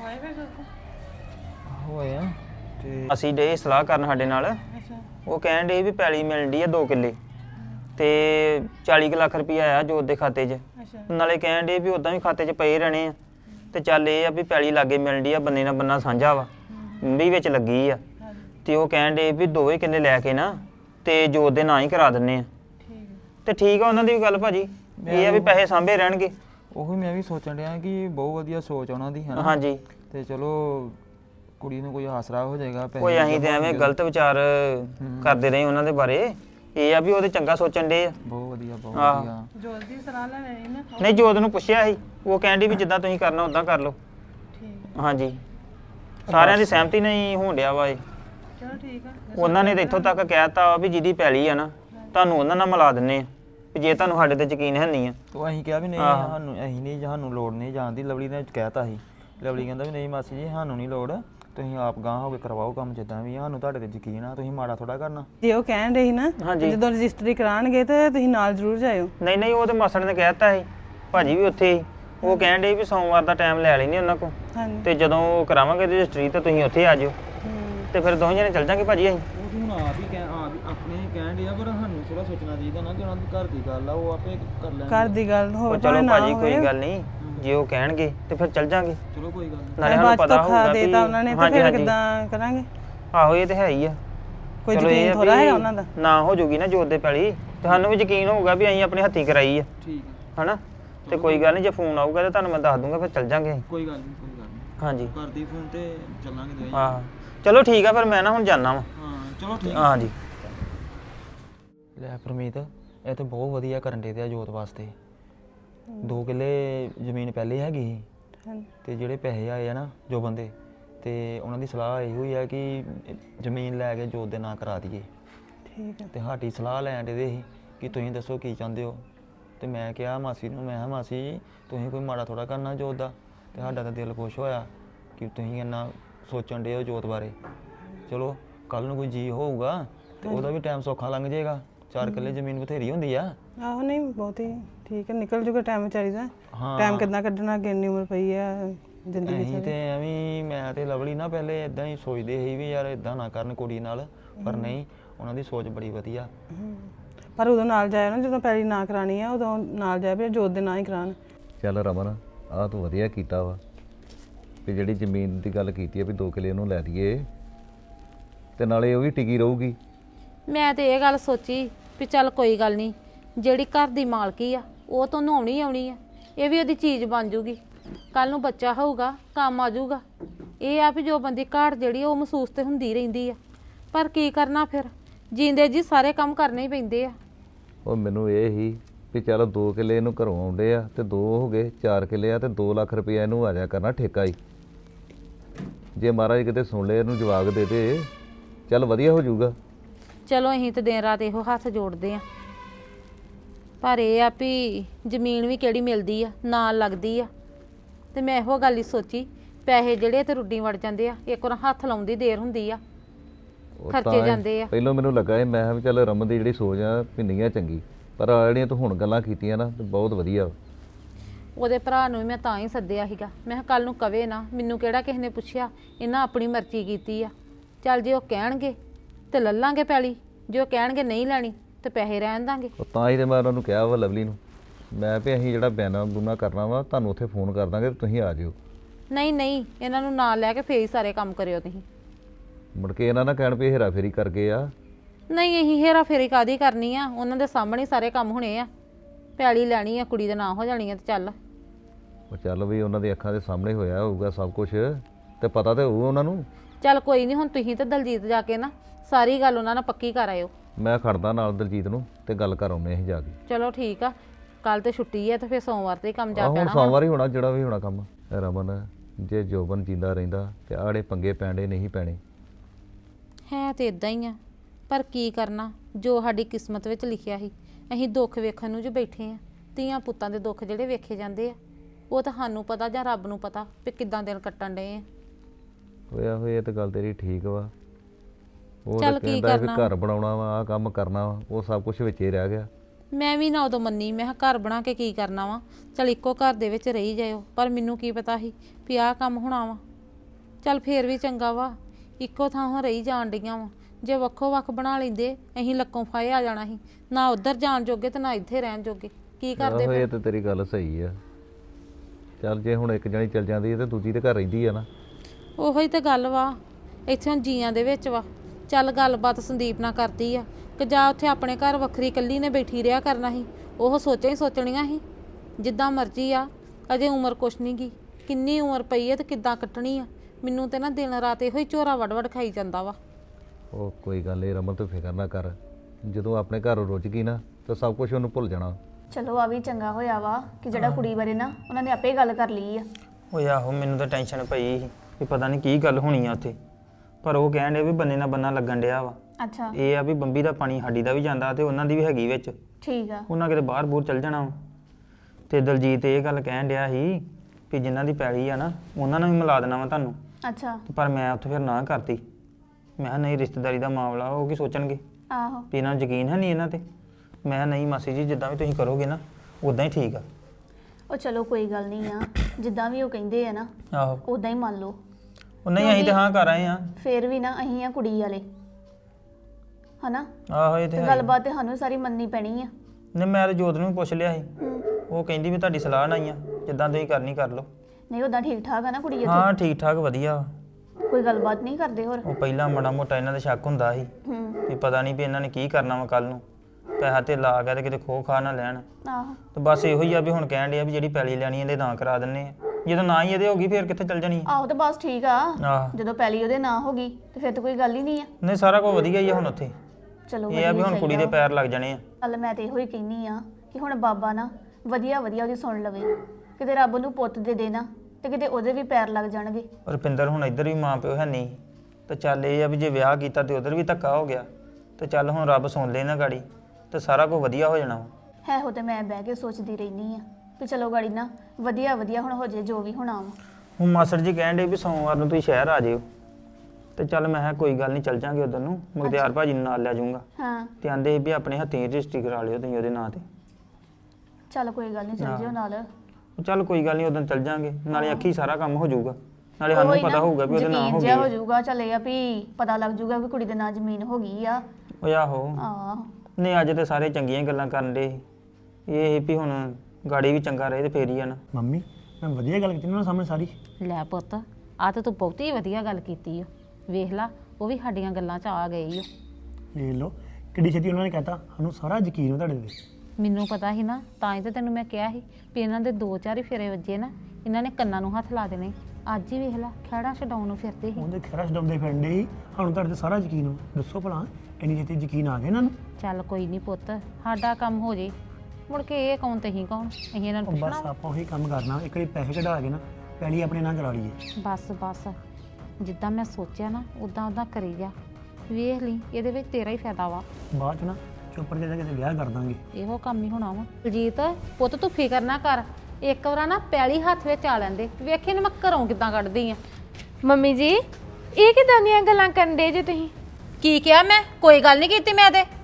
ਹੋਇਆ ਤੇ
ਅਸੀਂ ਡੇ ਸਲਾਹ ਕਰਨ ਸਾਡੇ ਨਾਲ। ਉਹ ਕਹਿਣ ਡੇ ਵੀ ਪੈਲੀ ਮਿਲਣੀ ਆ 2 ਕਿੱਲੇ ਤੇ 40 ਕੁ ਲੱਖ ਰੁਪਇਆ ਆਇਆ ਜੋਤ ਦੇ ਖਾਤੇ 'ਚ। ਨਾਲੇ ਕਹਿਣ ਡੇ ਵੀ ਉਦਾਂ ਵੀ ਖਾਤੇ 'ਚ ਪਏ ਰਹਿਣੇ ਆ ਤੇ ਚੱਲ ਇਹ ਆ ਵੀ ਪੈਲੀ ਲਾਗੇ ਮਿਲਣੀ ਆ, ਬੰਨੇ ਨਾਲ ਬੰਨਾ ਸਾਂਝਾ ਵਾ, ਵੀ ਵਿੱਚ ਲੱਗੀ ਆ। ਤੇ ਉਹ ਕਹਿਣ ਡੇ ਵੀ 2 ਕਿੱਲੇ ਲੈ ਕੇ ਨਾ ਤੇ ਜੋਤ ਦੇ ਨਾਂ ਹੀ ਕਰਾ ਦਿੰਨੇ ਆ। ਤੇ ਠੀਕ ਆ ਉਹਨਾਂ ਦੀ ਵੀ ਗੱਲ ਭਾਜੀ। ਇਹ ਆ ਵੀ ਪੈਸੇ ਸਾਂਭੇ ਰਹਿਣਗੇ।
ਉਹੀ ਮੈਂ ਵੀ ਸੋਚਣ ਡਿਆ ਕਿ ਬਹੁਤ ਵਧੀਆ ਸੋਚ ਉਹਨਾਂ ਦੀ ਹੈ ਨਾ।
ਹਾਂਜੀ
ਤੇ ਚਲੋ ਕੁੜੀ ਨੂੰ ਕੋਈ ਆਸਰਾ ਹੋ ਜਾਏਗਾ।
ਕੋਈ ਅਸੀਂ ਤੇ ਐਵੇਂ ਗਲਤ ਵਿਚਾਰ ਕਰਦੇ ਰਹੇ ਉਹਨਾਂ ਦੇ ਬਾਰੇ। ਇਹ ਆ ਵੀ ਉਹਦੇ ਚੰਗਾ ਸੋਚਣ ਡੇ ਆ।
ਬਹੁਤ ਵਧੀਆ ਬਹੁਤ
ਆਹ।
ਵਧੀਆ।
ਜੋਤ ਦੀ ਸਲਾਹ ਲੈ ਲੈਣੀ ਨਾ।
ਨਹੀਂ ਜੋਤ ਨੂੰ ਪੁੱਛਿਆ ਸੀ, ਉਹ ਕਹਿੰਦੀ ਵੀ ਜਿੱਦਾਂ ਤੁਸੀਂ ਕਰਨਾ ਉਦਾਂ ਕਰ ਲਓ। ਹਾਂਜੀ ਸਾਰਿਆਂ ਦੀ ਸਹਿਮਤੀ ਨਾਲ ਹੀ ਹੋਣ ਡਿਆ ਵਾ ਇਹ।
ਚਲੋ ਠੀਕ ਆ।
ਉਹਨਾਂ ਨੇ ਤਾਂ ਇੱਥੋਂ ਤੱਕ ਕਹਿਤਾ ਵੀ ਜਿਹਦੀ ਪੈਲੀ ਆ ਨਾ ਤੁਹਾਨੂੰ ਉਹਨਾਂ ਨਾਲ ਮਿਲਾ ਦਿੰਨੇ ਆ ਵੀ ਜੇ ਤੁਹਾਨੂੰ ਸਾਡੇ ਤੇ ਯਕੀਨ ਹੈ ਨਹੀਂ ਆ।
ਉਹ ਅਸੀਂ ਕਿਹਾ ਵੀ ਨਹੀਂ ਸਾਨੂੰ ਅਸੀਂ ਨਹੀਂ ਸਾਨੂੰ ਲੋੜ ਨਹੀਂ ਜਾਣ ਦੀ। ਲਵਲੀ ਨੇ ਕਹਿਤਾ ਸੀ। ਲਵਲੀ ਕਹਿੰਦਾ ਵੀ ਨਹੀਂ ਮਾਸੀ ਜੀ ਸਾਨੂੰ ਨਹੀਂ ਲੋੜ, ਤੁਸੀਂ ਆਪ ਗਾਂ ਹੋ ਕੇ ਕਰਵਾਓ ਕੰਮ ਜਿੱਦਾਂ ਵੀ। ਸਾਨੂੰ ਤੁਹਾਡੇ ਤੇ ਯਕੀਨ ਆ, ਤੁਸੀਂ ਮਾੜਾ ਥੋੜਾ ਕਰਨਾ।
ਜੇ ਉਹ ਕਹਿਣ ਰਹੀ ਨਾ
ਹਾਂਜੀ
ਜਦੋਂ ਰਜਿਸਟਰੀ ਕਰਾਣਗੇ ਤੇ ਤੁਸੀਂ ਨਾਲ ਜ਼ਰੂਰ ਜਾਇਓ।
ਨਹੀਂ ਨਹੀਂ ਉਹ ਤੇ ਮਾਸੜ ਨੇ ਕਹਿਤਾ ਸੀ, ਭਾਜੀ ਵੀ ਉੱਥੇ ਸੀ। ਉਹ ਕਹਿਣ ਡੇ ਵੀ ਸੋਮਵਾਰ ਦਾ ਟਾਈਮ ਲੈ ਲੈਣੀ ਉਹਨਾਂ ਕੋਲ
ਹਾਂਜੀ
ਤੇ ਜਦੋਂ ਉਹ ਕਰਾਵਾਂਗੇ ਰਜਿਸਟਰੀ ਤੇ ਤੁਸੀਂ ਉੱਥੇ ਆ ਜਾਇਓ ਤੇ ਫਿਰ ਦੋਵੇਂ ਜਣੇ ਚੱਲ ਜਾਾਂਗੇ ਭਾਜੀ ਅਸੀਂ।
ਉਹ ਹੁਣ ਆਪ ਹੀ ਆਪਣੇ ਕਹਿਣ ਡਿਆ ਪਰ ਸਾਨੂੰ ਥੋੜਾ ਸੋਚਣਾ ਚਾਹੀਦਾ ਨਾ ਕਿ ਉਹਨਾਂ ਦੀ ਘਰ ਦੀ ਗੱਲ ਆ, ਉਹ ਆਪੇ ਕਰ ਲੈਣਗੇ।
ਘਰ ਦੀ ਗੱਲ
ਉਹ
ਹੋਵੇ
ਚਲੋ
ਨਾ
ਭਾਜੀ ਕੋਈ
ਹੋਵੇ।
ਗੱਲ ਨਹੀਂ, ਜੇ ਉਹ ਕਹਿਣਗੇ ਤੇ ਫਿਰ ਚੱਲ ਜਾਾਂਗੇ।
ਚਲੋ ਕੋਈ ਗੱਲ ਨਹੀਂ।
ਨਾਲੇ ਸਾਨੂੰ
ਬਾਅਦ
ਪਤਾ
ਤੋਂ ਖਾ
ਹੋਊਗਾ
ਦੇਤਾ ਉਹਨਾਂ ਨੇ
ਵੀ
ਤੇ
ਹਾਂਜੀ
ਫਿਰ
ਹਾਂਜੀ
ਕਿੱਦਾਂ ਕਰਾਂਗੇ?
ਆਹੋ ਇਹ ਤੇ ਹੈ ਹੀ ਆ।
ਕੋਈ
ਚਲੋ ਇਹ
ਯਕੀਨ
ਆ
ਥੋੜਾ
ਵੀ
ਹੈਗਾ ਉਹਨਾਂ ਦਾ।
ਨਾ ਹੋ ਜੂਗੀ ਨਾ ਜੋਤ ਦੇ ਪੈਲੀ ਤੇ ਸਾਨੂੰ ਵੀ ਯਕੀਨ ਹੋਊਗਾ ਵੀ ਅਸੀਂ ਆਪਣੇ ਹੱਥੀਂ ਕਰਾਈ ਆ।
ਠੀਕ ਆ
ਹਨਾ ਤੇ ਕੋਈ ਗੱਲ ਨਹੀਂ, ਜੇ ਫੋਨ ਆਊਗਾ ਤੇ ਤੁਹਾਨੂੰ ਮੈਂ ਦੱਸ ਦੂੰਗਾ, ਫਿਰ ਚੱਲ ਜਾਾਂਗੇ ਅਸੀਂ।
ਕੋਈ ਗੱਲ ਨਹੀਂ ਕੋਈ ਗੱਲ ਨਹੀਂ।
ਹਾਂਜੀ
ਕਰਦੀ ਫੋਨ ਤੇ ਚੱਲਾਂਗੇ ਦੋਵੇਂ।
ਆਹ ਚਲੋ ਠੀਕ ਆ, ਫਿਰ ਮੈਂ ਨਾ ਹੁਣ ਜਾਣਾ ਵਾ।
ਹਾਂ ਚਲੋ ਠੀਕ।
ਹਾਂਜੀ
ਲੈ ਪਰਮੀਤ ਇਹ ਤੇ ਬਹੁਤ ਵਧੀਆ ਕਰਨ ਦੇ ਆ ਜੋਤ ਵਾਸਤੇ। 2 ਕਿੱਲੇ ਜ਼ਮੀਨ ਪਹਿਲੇ ਹੈਗੀ ਸੀ
ਹਾਂਜੀ
ਤੇ ਜਿਹੜੇ ਪੈਸੇ ਆਏ ਆ ਨਾ ਜੋ ਬੰਦੇ ਤੇ ਉਹਨਾਂ ਦੀ ਸਲਾਹ ਇਹ ਹੋਈ ਆ ਕਿ ਜ਼ਮੀਨ ਲੈ ਕੇ ਜੋਤ ਦੇ ਨਾਂ ਕਰਾ ਦਈਏ।
ਠੀਕ ਹੈ।
ਤੇ ਸਾਡੀ ਸਲਾਹ ਲੈਣ ਦੇ ਸੀ ਕਿ ਤੁਸੀਂ ਦੱਸੋ ਕੀ ਚਾਹੁੰਦੇ ਹੋ। ਤੇ ਮੈਂ ਕਿਹਾ ਮਾਸੀ ਨੂੰ, ਮੈਂ ਕਿਹਾ ਮਾਸੀ ਜੀ ਤੁਸੀਂ ਕੋਈ ਮਾੜਾ ਥੋੜਾ ਕਰਨਾ ਜੋਤ ਦਾ। ਤੇ ਸਾਡਾ ਤਾਂ ਦਿਲ ਖੁਸ਼ ਹੋਇਆ ਕਿ ਤੁਸੀਂ ਇੰਨਾ ਸੋਚਣ ਦੇ ਹੋ ਜੋਤ ਬਾਰੇ। ਚਲੋ ਕੱਲ ਨੂੰ ਕੋਈ ਜੀ ਹੋਊਗਾ ਤੇ ਉਹਦਾ ਵੀ ਟਾਈਮ ਸੌਖਾ ਲੰਘ ਜਾਏਗਾ। 4 ਕਿੱਲੇ ਜ਼ਮੀਨ ਬਥੇਰੀ ਹੁੰਦੀ ਆ।
ਆਹੋ ਨਹੀਂ ਬਹੁਤ ਹੀ ਠੀਕ ਹੈ, ਨਿਕਲ ਜੂਗਾ ਟਾਈਮ ਚਾਹੀਦਾ।
ਹਾਂ
ਟਾਈਮ ਕਿੰਨਾ ਕੱਢਣਾ, ਕਿੰਨੀ ਉਮਰ ਪਈ ਆ ਜ਼ਿੰਦਗੀ
ਅਸੀਂ
ਚ।
ਤੇ ਐਵੇਂ ਮੈਂ ਤੇ ਲਵਲੀ ਨਾ ਪਹਿਲੇ ਇਦਾਂ ਹੀ ਸੋਚਦੇ ਸੀ ਵੀ ਯਾਰ ਇਦਾਂ ਨਾ ਕਰਨ ਕੁੜੀ ਨਾਲ, ਪਰ ਨਹੀਂ ਉਹਨਾਂ ਦੀ ਸੋਚ ਬੜੀ ਵਧੀਆ।
ਪਰ ਉਦੋਂ ਨਾਲ ਜਾਇਓ ਨਾ ਜਦੋਂ ਪੈਲੀ ਨਾ ਕਰਾਣੀ ਆ, ਉਦੋਂ ਨਾਲ ਜਾਇਓ ਵੀ ਜੋਤ ਦੇ ਨਾਂ ਹੀ ਕਰਾਣ।
ਚੱਲ ਰਮਨ ਆਹ ਤੂੰ ਵਧੀਆ ਕੀਤਾ ਵਾ ਵੀ ਜਿਹੜੀ ਜ਼ਮੀਨ ਦੀ ਗੱਲ ਕੀਤੀ ਆ ਵੀ 2 ਕਿੱਲੇ ਉਹਨੂੰ ਲੈ ਦਈਏ ਤੇ ਨਾਲੇ ਉਹ ਵੀ ਟਿਕੀ ਰਹੂਗੀ।
ਮੈਂ ਤੇ ਇਹ ਗੱਲ ਸੋਚੀ ਵੀ ਚੱਲ ਕੋਈ ਗੱਲ ਨਹੀਂ, ਜਿਹੜੀ ਘਰ ਦੀ ਮਾਲਕੀ ਆ ਉਹ ਤਾਂ ਉਹਨੂੰ ਆਉਣੀ ਆਉਣੀ ਆ, ਇਹ ਵੀ ਉਹਦੀ ਚੀਜ਼ ਬਣ ਜੂਗੀ। ਕੱਲ ਨੂੰ ਬੱਚਾ ਹੋਊਗਾ ਕੰਮ ਆ ਜਾਊਗਾ। ਇਹ ਆ ਵੀ ਜੋ ਬੰਦੀ ਘਾਟ ਜਿਹੜੀ ਉਹ ਮਹਿਸੂਸ ਤੇ ਹੁੰਦੀ ਰਹਿੰਦੀ ਆ, ਪਰ ਕੀ ਕਰਨਾ ਫਿਰ, ਜੀਂਦੇ ਜੀ ਸਾਰੇ ਕੰਮ ਕਰਨੇ ਹੀ ਪੈਂਦੇ ਆ।
ਉਹ ਮੈਨੂੰ ਇਹ ਹੀ ਵੀ ਚੱਲ 2 ਕਿੱਲੇ ਇਹਨੂੰ ਘਰੋਂ ਆਉਂਦੇ ਆ ਤੇ 2 ਹੋ ਗਏ 4 ਕਿੱਲੇ ਆ ਤੇ 2 ਲੱਖ ਰੁਪਇਆ ਇਹਨੂੰ ਆ ਜਾ ਕਰਨਾ ਠੇਕਾ ਹੀ। ਜੇ ਮਹਾਰਾਜ ਕਿਤੇ ਸੁਣ ਲਏ ਇਹਨੂੰ ਜਵਾਬ ਦੇ ਦੇ ਚੱਲ ਵਧੀਆ ਹੋ ਜਾਊਗਾ।
ਚਲੋ ਅਸੀਂ ਤੇ ਦਿਨ ਰਾਤ ਇਹੋ ਹੱਥ ਜੋੜਦੇ ਆ, ਪਰ ਇਹ ਆ ਵੀ ਜ਼ਮੀਨ ਵੀ ਕਿਹੜੀ ਮਿਲਦੀ ਆ, ਨਾਲ ਲੱਗਦੀ ਆ। ਤੇ ਮੈਂ ਇਹੋ ਗੱਲ ਹੀ ਸੋਚੀ, ਪੈਸੇ ਜਿਹੜੇ ਤੇ ਰੁੱਡੀ ਵੜ ਜਾਂਦੇ ਆ, ਇੱਕ ਵਾਰ ਹੱਥ ਲਾਉਣ ਦੀ ਦੇਰ ਹੁੰਦੀ ਆ,
ਉਹ
ਖਰਚੇ
ਤਾਂ
ਜਾਂਦੇ ਆ।
ਪਹਿਲਾਂ ਮੈਨੂੰ ਲੱਗਾ ਸੀ, ਮੈਂ ਕਿਹਾ ਵੀ ਚੱਲ ਰਮਨ ਦੀ ਜਿਹੜੀ ਸੋਚ ਆ ਭਿੰਨੀ ਆ ਚੰਗੀ, ਪਰ ਆਹ ਜਿਹੜੀਆਂ ਤੂੰ ਹੁਣ ਗੱਲਾਂ ਕੀਤੀਆਂ ਨਾ ਤੇ ਬਹੁਤ ਵਧੀਆ ਵਾ।
ਉਹਦੇ ਭਰਾ ਨੂੰ ਵੀ ਮੈਂ ਤਾਂ ਹੀ ਸੱਦਿਆ ਸੀਗਾ, ਮੈਂ ਕਿਹਾ ਕੱਲ ਨੂੰ ਕਵੇ ਨਾ ਮੈਨੂੰ ਕਿਹੜਾ ਕਿਸੇ ਨੇ ਪੁੱਛਿਆ, ਇਹਨਾਂ ਆਪਣੀ ਮਰਜ਼ੀ ਕੀਤੀ ਆ। ਚੱਲ ਜੇ ਉਹ ਕਹਿਣਗੇ ਤੇ ਲੱਲਾਂਗੇ ਪੈਲੀ, ਜੇ ਉਹ ਕਹਿਣਗੇ ਨਹੀਂ ਲੈਣੀ ਤੇ ਪੈਸੇ ਰਹਿਣ ਦਾਂਗੇ।
ਉਹ ਤਾਂ ਹੀ ਤੇ ਮੈਂ ਉਹਨਾਂ ਨੂੰ ਕਿਹਾ ਵਾ ਲਵਲੀ ਨੂੰ, ਮੈਂ ਵੀ ਅਸੀਂ ਜਿਹੜਾ ਬਿਆਨਾ ਬੂਨਾ ਕਰਨਾ ਵਾ ਤੁਹਾਨੂੰ ਉੱਥੇ ਫੋਨ ਕਰ ਦਾਂਗੇ ਤੇ ਤੁਸੀਂ ਆ ਜਿਓ।
ਨਹੀਂ ਨਹੀਂ, ਇਹਨਾਂ ਨੂੰ ਨਾਲ ਲੈ ਕੇ ਫੇਰ ਹੀ ਸਾਰੇ ਕੰਮ ਕਰਿਓ ਤੁਸੀਂ।
ਮੁੜ ਕੇ ਇਹਨਾਂ ਨਾਲ ਕਹਿਣ ਵੀ ਹੇਰਾ ਫੇਰੀ ਕਰ ਗਏ ਆ।
ਨਹੀਂ ਅਸੀਂ ਹੇਰਾ ਫੇਰੀ ਕਾਦੀ ਕਰਨੀ ਆ, ਉਹਨਾਂ ਦੇ ਸਾਹਮਣੇ ਹੀ ਸਾਰੇ ਕੰਮ ਹੋਣੇ ਆ। ਪੈਲੀ ਲੈਣੀ ਆ, ਕੁੜੀ ਦੇ ਨਾਂ ਹੋ ਜਾਣੀ ਆ ਤੇ ਚੱਲ।
ਉਹ ਚੱਲ ਵੀ ਉਹਨਾਂ ਦੀ ਅੱਖਾਂ ਦੇ ਸਾਹਮਣੇ ਹੋਇਆ ਹੋਊਗਾ ਸਭ ਕੁਝ ਤੇ ਪਤਾ ਤੇ ਹੋਊ ਉਹਨਾਂ ਨੂੰ।
ਚੱਲ ਕੋਈ ਨਹੀਂ, ਹੁਣ ਤੁਸੀਂ ਤੇ ਦਲਜੀਤ ਜਾ ਕੇ ਨਾ ਸਾਰੀ ਗੱਲ ਉਹਨਾਂ ਨਾਲ ਪੱਕੀ ਕਰ ਆਇਓ।
ਮੈਂ ਖੜਦਾ ਨਾਲ ਦਲਜੀਤ ਨੂੰ ਤੇ ਗੱਲ ਕਰ ਆਉਂਦੇ ਅਸੀਂ ਜਾ ਕੇ।
ਚਲੋ ਠੀਕ ਆ, ਕੱਲ ਤੇ ਛੁੱਟੀ ਆ ਤੇ ਫਿਰ ਸੋਮਵਾਰ ਤੇ ਹੀ ਕੰਮ ਜਾ
ਹੁਣ
ਪੈਣਾ।
ਸੋਮਵਾਰ ਹੀ ਹੋਣਾ ਜਿਹੜਾ ਵੀ ਹੋਣਾ ਕੰਮ। ਰਮਨ ਜੇ ਜੋਬਨ ਜਿੰਦਾ ਰਹਿੰਦਾ ਤੇ ਆੜੇ ਪੰਗੇ ਪੈਂਦੇ ਨਹੀਂ ਪੈਣੇ।
ਹੈ ਤੇ ਇਦਾਂ ਹੀ ਆ, ਪਰ ਕੀ ਕਰਨਾ, ਜੋ ਸਾਡੀ ਕਿਸਮਤ ਵਿੱਚ ਲਿਖਿਆ ਸੀ ਅਸੀਂ ਦੁੱਖ ਵੇਖਣ ਨੂੰ ਜੋ ਬੈਠੇ ਆ। ਧੀਆਂ ਪੁੱਤਾਂ ਦੇ ਦੁੱਖ ਜਿਹੜੇ ਵੇਖੇ ਜਾਂਦੇ ਆ ਉਹ ਤਾਂ ਸਾਨੂੰ ਪਤਾ ਜਾਂ ਰੱਬ ਨੂੰ ਪਤਾ ਵੀ ਕਿੱਦਾਂ ਦਿਨ ਕੱਟਣ ਡਏ ਆ।
ਹੋਇਆ ਹੋਇਆ ਤੇ ਗੱਲ ਤੇਰੀ ਠੀਕ ਵਾ। ਉਹ
ਚੱਲ
ਤਾਂ
ਕੀ
ਕਹਿੰਦਾ ਵੀ
ਕਰਨਾ
ਘਰ ਬਣਾਉਣਾ ਵਾ, ਆਹ ਕੰਮ ਕਰਨਾ ਵਾ, ਉਹ ਸਭ ਕੁਝ ਵਿੱਚ ਹੀ ਰਹਿ ਗਿਆ।
ਮੈਂ ਵੀ ਨਾ ਉਦੋਂ ਮੰਨੀ, ਮੈਂ ਕਿਹਾ ਘਰ ਬਣਾ ਕੇ ਕੀ ਕਰਨਾ ਵਾ, ਚਲ ਇੱਕੋ ਘਰ ਦੇ ਵਿੱਚ ਰਹੀ ਜਾਇਓ। ਪਰ ਮੈਨੂੰ ਕੀ ਪਤਾ ਸੀ ਵੀ ਆਹ ਕੰਮ ਹੋਣਾ ਵਾ। ਚੱਲ ਫੇਰ ਵੀ ਚੰਗਾ ਵਾ, ਇੱਕੋ ਥਾਂ ਹੋ ਰਹੀ ਜਾਣ ਡੀਆਂ ਵਾ। ਜੇ ਵੱਖੋ ਵੱਖ ਬਣਾ ਲੈਂਦੇ ਅਸੀਂ ਲੱਕੋਂ ਫਾਏ ਆ ਜਾਣਾ ਸੀ, ਨਾ ਉੱਧਰ ਜਾਣ ਜੋਗੇ ਤੇ ਨਾ ਇੱਥੇ ਰਹਿਣ ਜੋਗੇ। ਕੀ ਕਰਦੇ
ਹੋਇਆ
ਫਿਰ?
ਤੇ ਤੇਰੀ ਗੱਲ ਸਹੀ ਆ। ਚੱਲ ਜੇ ਹੁਣ ਇੱਕ ਜਣੀ ਚੱਲ ਜਾਂਦੀ ਹੈ ਤੇ ਦੂਜੀ ਤੇ ਘਰ ਰਹਿੰਦੀ ਆ ਨਾ।
ਉਹੀ ਤੇ ਗੱਲ ਵਾ, ਇੱਥੇ ਹੁਣ ਜੀਆਂ ਦੇ ਵਿੱਚ ਵਾ। ਚੱਲ ਗੱਲਬਾਤ ਸੰਦੀਪ ਨਾਲ ਕਰਦੀ ਆ ਕਿ ਜਾਂ ਉੱਥੇ ਆਪਣੇ ਘਰ ਵੱਖਰੀ ਇਕੱਲੀ ਨੇ ਬੈਠੀ ਰਿਹਾ ਕਰਨਾ ਸੀ। ਉਹ ਸੋਚਾਂ ਹੀ ਸੋਚਣੀਆਂ ਸੀ। ਜਿੱਦਾਂ ਮਰਜ਼ੀ ਆ, ਅਜੇ ਉਮਰ ਕੁਛ ਨਹੀਂ ਗੀ, ਕਿੰਨੀ ਉਮਰ ਪਈ ਹੈ ਤੇ ਕਿੱਦਾਂ ਕੱਟਣੀ ਆ। ਮੈਨੂੰ ਤੇ ਨਾ ਦਿਨ ਰਾਤ ਇਹੋ ਹੀ ਝੋਰਾ ਵੜ ਖਾਈ ਜਾਂਦਾ ਵਾ।
ਉਹ ਕੋਈ ਗੱਲ ਨਹੀਂ ਰਮਨ, ਤੂੰ ਫਿਕਰ ਨਾ ਕਰ। ਜਦੋਂ ਆਪਣੇ ਘਰੋਂ ਰੁੱਝ ਗਈ ਨਾ ਤਾਂ ਸਭ ਕੁਝ ਉਹਨੂੰ ਭੁੱਲ ਜਾਣਾ।
ਚਲੋ ਆ ਵੀ ਚੰਗਾ ਹੋਇਆ ਵਾ ਕਿ ਜਿਹੜਾ ਕੁੜੀ ਬਾਰੇ ਨਾ ਉਹਨਾਂ ਨੇ ਆਪੇ ਗੱਲ ਕਰ ਲਈ ਆ।
ਓਏ ਆਹੋ, ਮੈਨੂੰ ਤਾਂ ਟੈਨਸ਼ਨ ਪਈ ਸੀ ਵੀ ਪਤਾ ਨਹੀਂ ਕੀ ਗੱਲ ਹੋਣੀ ਆ ਉੱਥੇ। ਪਰ ਉਹ ਕਹਿਣ ਡੇ ਵੀ ਬੰਨੇ ਨਾਲ ਬੰਨਾ ਲੱਗਣ ਡਿਆ ਵਾ।
ਅੱਛਾ
ਇਹ ਆ ਵੀ ਬੰਬੀ ਦਾ ਪਾਣੀ ਸਾਡੀ ਦਾ ਵੀ ਜਾਂਦਾ ਤੇ ਉਹਨਾਂ ਦੀ ਵੀ ਹੈਗੀ ਵਿੱਚ।
ਠੀਕ ਆ।
ਉਹਨਾਂ ਕਿਤੇ ਬਾਹਰ ਬੂਰ ਚੱਲ ਜਾਣਾ ਵਾ। ਤੇ ਦਲਜੀਤ ਇਹ ਗੱਲ ਕਹਿਣ ਡਿਆ ਸੀ ਵੀ ਜਿਨ੍ਹਾਂ ਦੀ ਪੈਲੀ ਆ ਨਾ ਉਹਨਾਂ ਨੂੰ ਵੀ ਮਿਲਾ ਦੇਣਾ ਵਾ ਤੁਹਾਨੂੰ।
ਅੱਛਾ
ਪਰ ਮੈਂ ਉੱਥੇ ਫਿਰ ਨਾ ਕਰਤੀ। ਮੈਂ ਕਿਹਾ ਨਹੀਂ, ਰਿਸ਼ਤੇਦਾਰੀ ਦਾ ਮਾਮਲਾ, ਉਹ ਕੀ ਸੋਚਣਗੇ
ਆਹੋ
ਵੀ ਇਹਨਾਂ ਨੂੰ ਯਕੀਨ ਹੈ ਨਹੀਂ ਇਹਨਾਂ ਤੇ। ਮੈਂ ਕਿਹਾ ਨਹੀਂ ਮਾਸੀ ਜੀ, ਜਿੱਦਾਂ ਵੀ ਤੁਸੀਂ ਕਰੋਗੇ ਨਾ ਉਦਾਂ ਹੀ ਠੀਕ ਆ।
ਉਹ ਚਲੋ ਕੋਈ ਗੱਲ ਨਹੀਂ ਆ, ਜਿੱਦਾਂ ਵੀ ਉਹ ਕਹਿੰਦੇ ਆ ਨਾ
ਆਹੋ,
ਉਦਾਂ ਹੀ ਮੰਨ ਲਓ।
ਉਹ ਨਹੀਂ ਅਸੀਂ ਤੇ ਹਾਂ ਕਰ ਆਏ ਆ।
ਫੇਰ ਵੀ ਨਾ ਅਸੀਂ ਆ ਕੁੜੀ ਵਾਲੇ, ਹਨਾ?
ਆਹੋ ਇਹ ਤੇ
ਤੇ
ਹੈ।
ਗੱਲਬਾਤ ਤੇ ਸਾਨੂੰ ਸਾਰੀ ਮੰਨਣੀ ਪੈਣੀ ਆ।
ਨਹੀਂ ਮੈਂ ਤੇ ਜੋਤ ਨੂੰ ਵੀ ਪੁੱਛ ਲਿਆ ਸੀ। ਉਹ ਕਹਿੰਦੀ ਵੀ ਤੁਹਾਡੀ ਸਲਾਹ ਨਾਲ ਹੀ ਆ, ਜਿੱਦਾਂ ਤੁਸੀਂ ਕਰਨੀ ਕਰ ਲਓ।
ਨਹੀਂ ਉਦਾਂ ਠੀਕ ਠਾਕ ਆ ਨਾ ਕੁੜੀ
ਹਾਂ
ਇੱਥੇ?
ਠੀਕ ਠਾਕ ਵਧੀਆ ਵਾ।
ਕੋਈ ਗੱਲਬਾਤ ਨਹੀਂ ਕਰਦੇ ਹੋਰ?
ਉਹ ਪਹਿਲਾਂ ਮਾੜਾ ਮੋਟਾ ਇਹਨਾਂ ਦਾ ਸ਼ੱਕ ਹੁੰਦਾ ਸੀ ਵੀ ਪਤਾ ਨਹੀਂ ਵੀ ਇਹਨਾਂ ਨੇ ਕੀ ਕਰਨਾ ਵਾ ਕੱਲ ਨੂੰ, ਪੈਸਾ ਤੇ ਲਾ ਕੇ ਤੇ ਕਿਤੇ ਖੋਹ ਖਾ ਨਾ ਲੈਣ।
ਆਹੋ
ਤੇ ਬਸ ਇਹੋ ਹੀ ਆ ਵੀ ਹੁਣ ਕਹਿਣ ਡਿਆ ਵੀ ਜਿਹੜੀ ਪੈਲੀ ਲੈਣੀ ਇਹਦੇ ਨਾਂ ਕਰਾ ਦਿੰਨੇ ਆ। ਜਦੋਂ ਨਾ ਹੀ ਇਹਦੇ ਹੋ ਗਈ ਫਿਰ ਕਿੱਥੇ ਚੱਲ ਜਾਣੀ ਆ?
ਆਹੋ ਤੇ ਬਸ ਠੀਕ ਆ।
ਆਹ
ਜਦੋਂ ਪਹਿਲੀ ਉਹਦੇ ਨਾਂ ਹੋ ਗਈ ਤੇ ਫਿਰ ਤਾਂ ਕੋਈ ਗੱਲ ਹੀ ਨਹੀਂ ਆ।
ਨਹੀਂ ਸਾਰਾ ਕੁਝ ਵਧੀਆ ਹੀ ਆ ਹੁਣ ਉੱਥੇ।
ਚਲੋ
ਇਹ ਆ ਵੀ ਹੁਣ ਕੁੜੀ ਦੇ ਪੈਰ ਲੱਗ ਜਾਣੇ ਆ।
ਚੱਲ ਮੈਂ ਤੇ ਇਹੋ ਹੀ ਕਹਿੰਨੀ ਆ ਕਿ ਹੁਣ ਬਾਬਾ ਨਾ ਵਧੀਆ ਉਹਦੀ ਸੁਣ ਲਵੇ। ਕਿਤੇ ਰੱਬ ਨੂੰ ਪੁੱਤ ਦੇ ਦੇਣਾ ਤੇ ਕਿਤੇ ਉਹਦੇ ਵੀ ਪੈਰ ਲੱਗ ਜਾਣਗੇ।
ਰੁਪਿੰਦਰ ਹੁਣ ਇੱਧਰ ਵੀ ਮਾਂ ਪਿਓ ਹੈ ਨਹੀਂ ਤੇ ਚੱਲ ਇਹ ਆ ਵੀ ਜੇ ਵਿਆਹ ਕੀਤਾ ਤੇ ਉਧਰ ਵੀ ਧੱਕਾ ਹੋ ਗਿਆ ਤੇ ਚੱਲ ਹੁਣ ਰੱਬ ਸੁਣ ਲੈ ਨਾ ਗਾੜੀ ਤੇ ਸਾਰਾ ਕੁਝ ਵਧੀਆ ਹੋ ਜਾਣਾ ਵਾ।
ਹੈ ਹੋ ਤੇ ਮੈਂ ਬਹਿ ਕੇ ਸੋਚਦੀ ਰਹਿਨੀ ਆ ਵੀ ਚਲੋ ਗਾੜੀ ਨਾ ਵਧੀਆ ਹੁਣ ਹੋ ਜੇ ਜੋ ਵੀ ਹੋਣਾ ਵਾ।
ਹੁਣ ਮਾਸੜ ਜੀ ਕਹਿਣ ਡੇ ਵੀ ਸੋਮਵਾਰ ਨੂੰ ਤੁਸੀਂ ਸ਼ਹਿਰ ਆ ਜਿਓ ਤੇ ਚੱਲ ਮੈਂ ਕਿਹਾ ਕੋਈ ਗੱਲ ਨਹੀਂ, ਚੱਲ ਜਾਂਗੇ ਉਧਰ ਨੂੰ। ਮੁਖਤਿਆਰ ਭਾਜੀ ਨੂੰ ਨਾਲ ਲੈ ਜਾਊਂਗਾ।
ਹਾਂ
ਤੇ ਆਂਦੇ ਵੀ ਆਪਣੇ ਹੱਥੀਂ ਰਜਿਸਟਰੀ ਕਰਾ ਲਿਓ ਤੁਸੀਂ ਉਹਦੇ ਨਾਂ ਤੇ।
ਚੱਲ ਕੋਈ ਗੱਲ ਨਹੀਂ, ਚੱਲ ਜਿਓ ਨਾਲ।
ਚੱਲ ਕੋਈ ਗੱਲ ਨਹੀਂ, ਉਦੋਂ ਚੱਲ ਜਾਂਗੇ। ਨਾਲੇ ਅੱਖੀ ਸਾਰਾ ਕੰਮ ਹੋ ਜਾਊਗਾ, ਨਾਲੇ ਸਾਨੂੰ
ਉਹੀ
ਪਤਾ
ਨਾ,
ਹੋਊਗਾ ਵੀ ਉਹਦੇ ਨਾਂ ਹੋ
ਯਕੀਨ ਜਿਹਾ ਹੋ
ਗਏ।
ਜਾਊਗਾ। ਚੱਲ ਇਹ ਆ ਵੀ ਪਤਾ ਲੱਗ ਜਾਊਗਾ ਵੀ ਕੁੜੀ ਦੇ ਨਾਂ ਜ਼ਮੀਨ ਹੋ ਗਈ ਆ।
ਓਏ ਆਹੋ,
ਆਹ
ਨਹੀਂ ਅੱਜ ਤੇ ਸਾਰੇ ਚੰਗੀਆਂ ਗੱਲਾਂ ਕਰਨ ਦੇ। ਇਹ ਵੀ ਹੁਣ ਗਾੜੀ ਵੀ ਚੰਗਾ ਰਹੇ ਤੇ ਫੇਰ ਹੀ ਆ ਨਾ।
ਮੰਮੀ ਮੈਂ ਵਧੀਆ ਗੱਲ ਕੀਤੀ ਉਹਨਾਂ ਸਾਹਮਣੇ ਸਾਰੀ।
ਲੈ ਪੁੱਤ, ਆ ਤੇ ਤੂੰ ਬਹੁਤੀ ਵਧੀਆ ਗੱਲ ਕੀਤੀ ਓ। ਵੇਖ ਲਾ, ਉਹ ਵੀ ਸਾਡੀਆਂ ਗੱਲਾਂ 'ਚ ਆ ਗਈ ਓ।
ਦੇਖ ਲਓ ਕਿੱਡੀ ਛੇਤੀ ਉਹਨਾਂ ਨੇ ਕਹਿਤਾ, ਸਾਨੂੰ ਸਾਰਾ ਯਕੀਨ ਹੋ ਤੁਹਾਡੇ ਤੇ।
ਮੈਨੂੰ ਪਤਾ ਸੀ ਨਾ, ਤਾਂ ਹੀ ਤਾਂ ਤੈਨੂੰ ਮੈਂ ਕਿਹਾ ਸੀ ਵੀ ਇਹਨਾਂ ਦੇ 2-4 ਹੀ ਫੇਰੇ ਵੱਜੇ ਨਾ, ਇਹਨਾਂ ਨੇ ਕੰਨਾਂ ਨੂੰ ਹੱਥ ਲਾ ਦੇਣੇ। ਅੱਜ ਹੀ ਵੇਖ ਲਾ, ਖਹਿੜਾ ਛਡਾਉਣ ਨੂੰ ਫਿਰਦੇ ਸੀ।
ਉਹਦੇ ਖੈਰਾ ਛਡਾਉਂਦੇ ਫਿਰਦੇ ਸੀ, ਸਾਨੂੰ ਤੁਹਾਡੇ ਤੇ ਸਾਰਾ ਯਕੀਨ ਹੋ। ਦੱਸੋ ਭਲਾ ਇੰਨੀ ਛੇਤੀ ਯਕੀਨ ਆ ਗਿਆ ਇਹਨਾਂ ਨੂੰ?
ਚੱਲ ਕੋਈ ਨਹੀਂ ਪੁੱਤ, ਸਾਡਾ ਕੰਮ ਹੋ ਜੇ, ਮੁੜ ਕੇ ਇਹ ਕੌਣ ਤੇ ਹੀ ਕੌਣ, ਅਸੀਂ ਇਹਨਾਂ ਨੂੰ
ਉਹ ਬਸ
ਪੁੱਛਣਾ।
ਆਪਾਂ ਉਹੀ ਕੰਮ ਕਰਨਾ, ਇੱਕ ਵਾਰੀ ਪੈਸੇ ਕਢਾ ਕੇ ਨਾ ਪਹਿਲੀ ਆਪਣੇ ਨਾਲ ਕਰਾ ਲਈਏ।
ਬਸ ਜਿੱਦਾਂ ਮੈਂ ਸੋਚਿਆ ਨਾ ਉਦਾਂ ਕਰੀ ਜਾ। ਵੇਖ ਲਈ, ਇਹਦੇ ਵਿੱਚ ਤੇਰਾ ਹੀ ਫਾਇਦਾ ਵਾ।
ਬਾਅਦ ਚ ਨਾ ਚੁੱਪ ਕਰਕੇ ਕਿਸੇ ਵਿਆਹ ਕਰ ਦਾਂਗੇ।
ਇਹੋ ਕੰਮ ਹੀ ਹੋਣਾ ਵਾ। ਬਲਜੀਤ ਪੁੱਤ, ਤੂੰ ਫਿਕਰ ਨਾ ਕਰ। ਇੱਕ ਵਾਰ ਨਾ ਪੈਲੀ ਹੱਥ ਵਿੱਚ ਆ ਲੈਂਦੇ, ਵੇਖੇ ਨੇ ਮੈਂ ਘਰੋਂ ਕਿੱਦਾਂ ਕੱਢਦੀ ਆ।
ਮੰਮੀ ਜੀ ਇਹ ਕਿਦਾਂ ਦੀਆਂ ਗੱਲਾਂ ਕਰਨ ਦੇ ਜੇ ਤੁਸੀਂ?
ਕੀ ਕਿਹਾ ਮੈਂ? ਕੋਈ ਗੱਲ ਨਹੀਂ ਕੀਤੀ ਮੈਂ ਤੇ।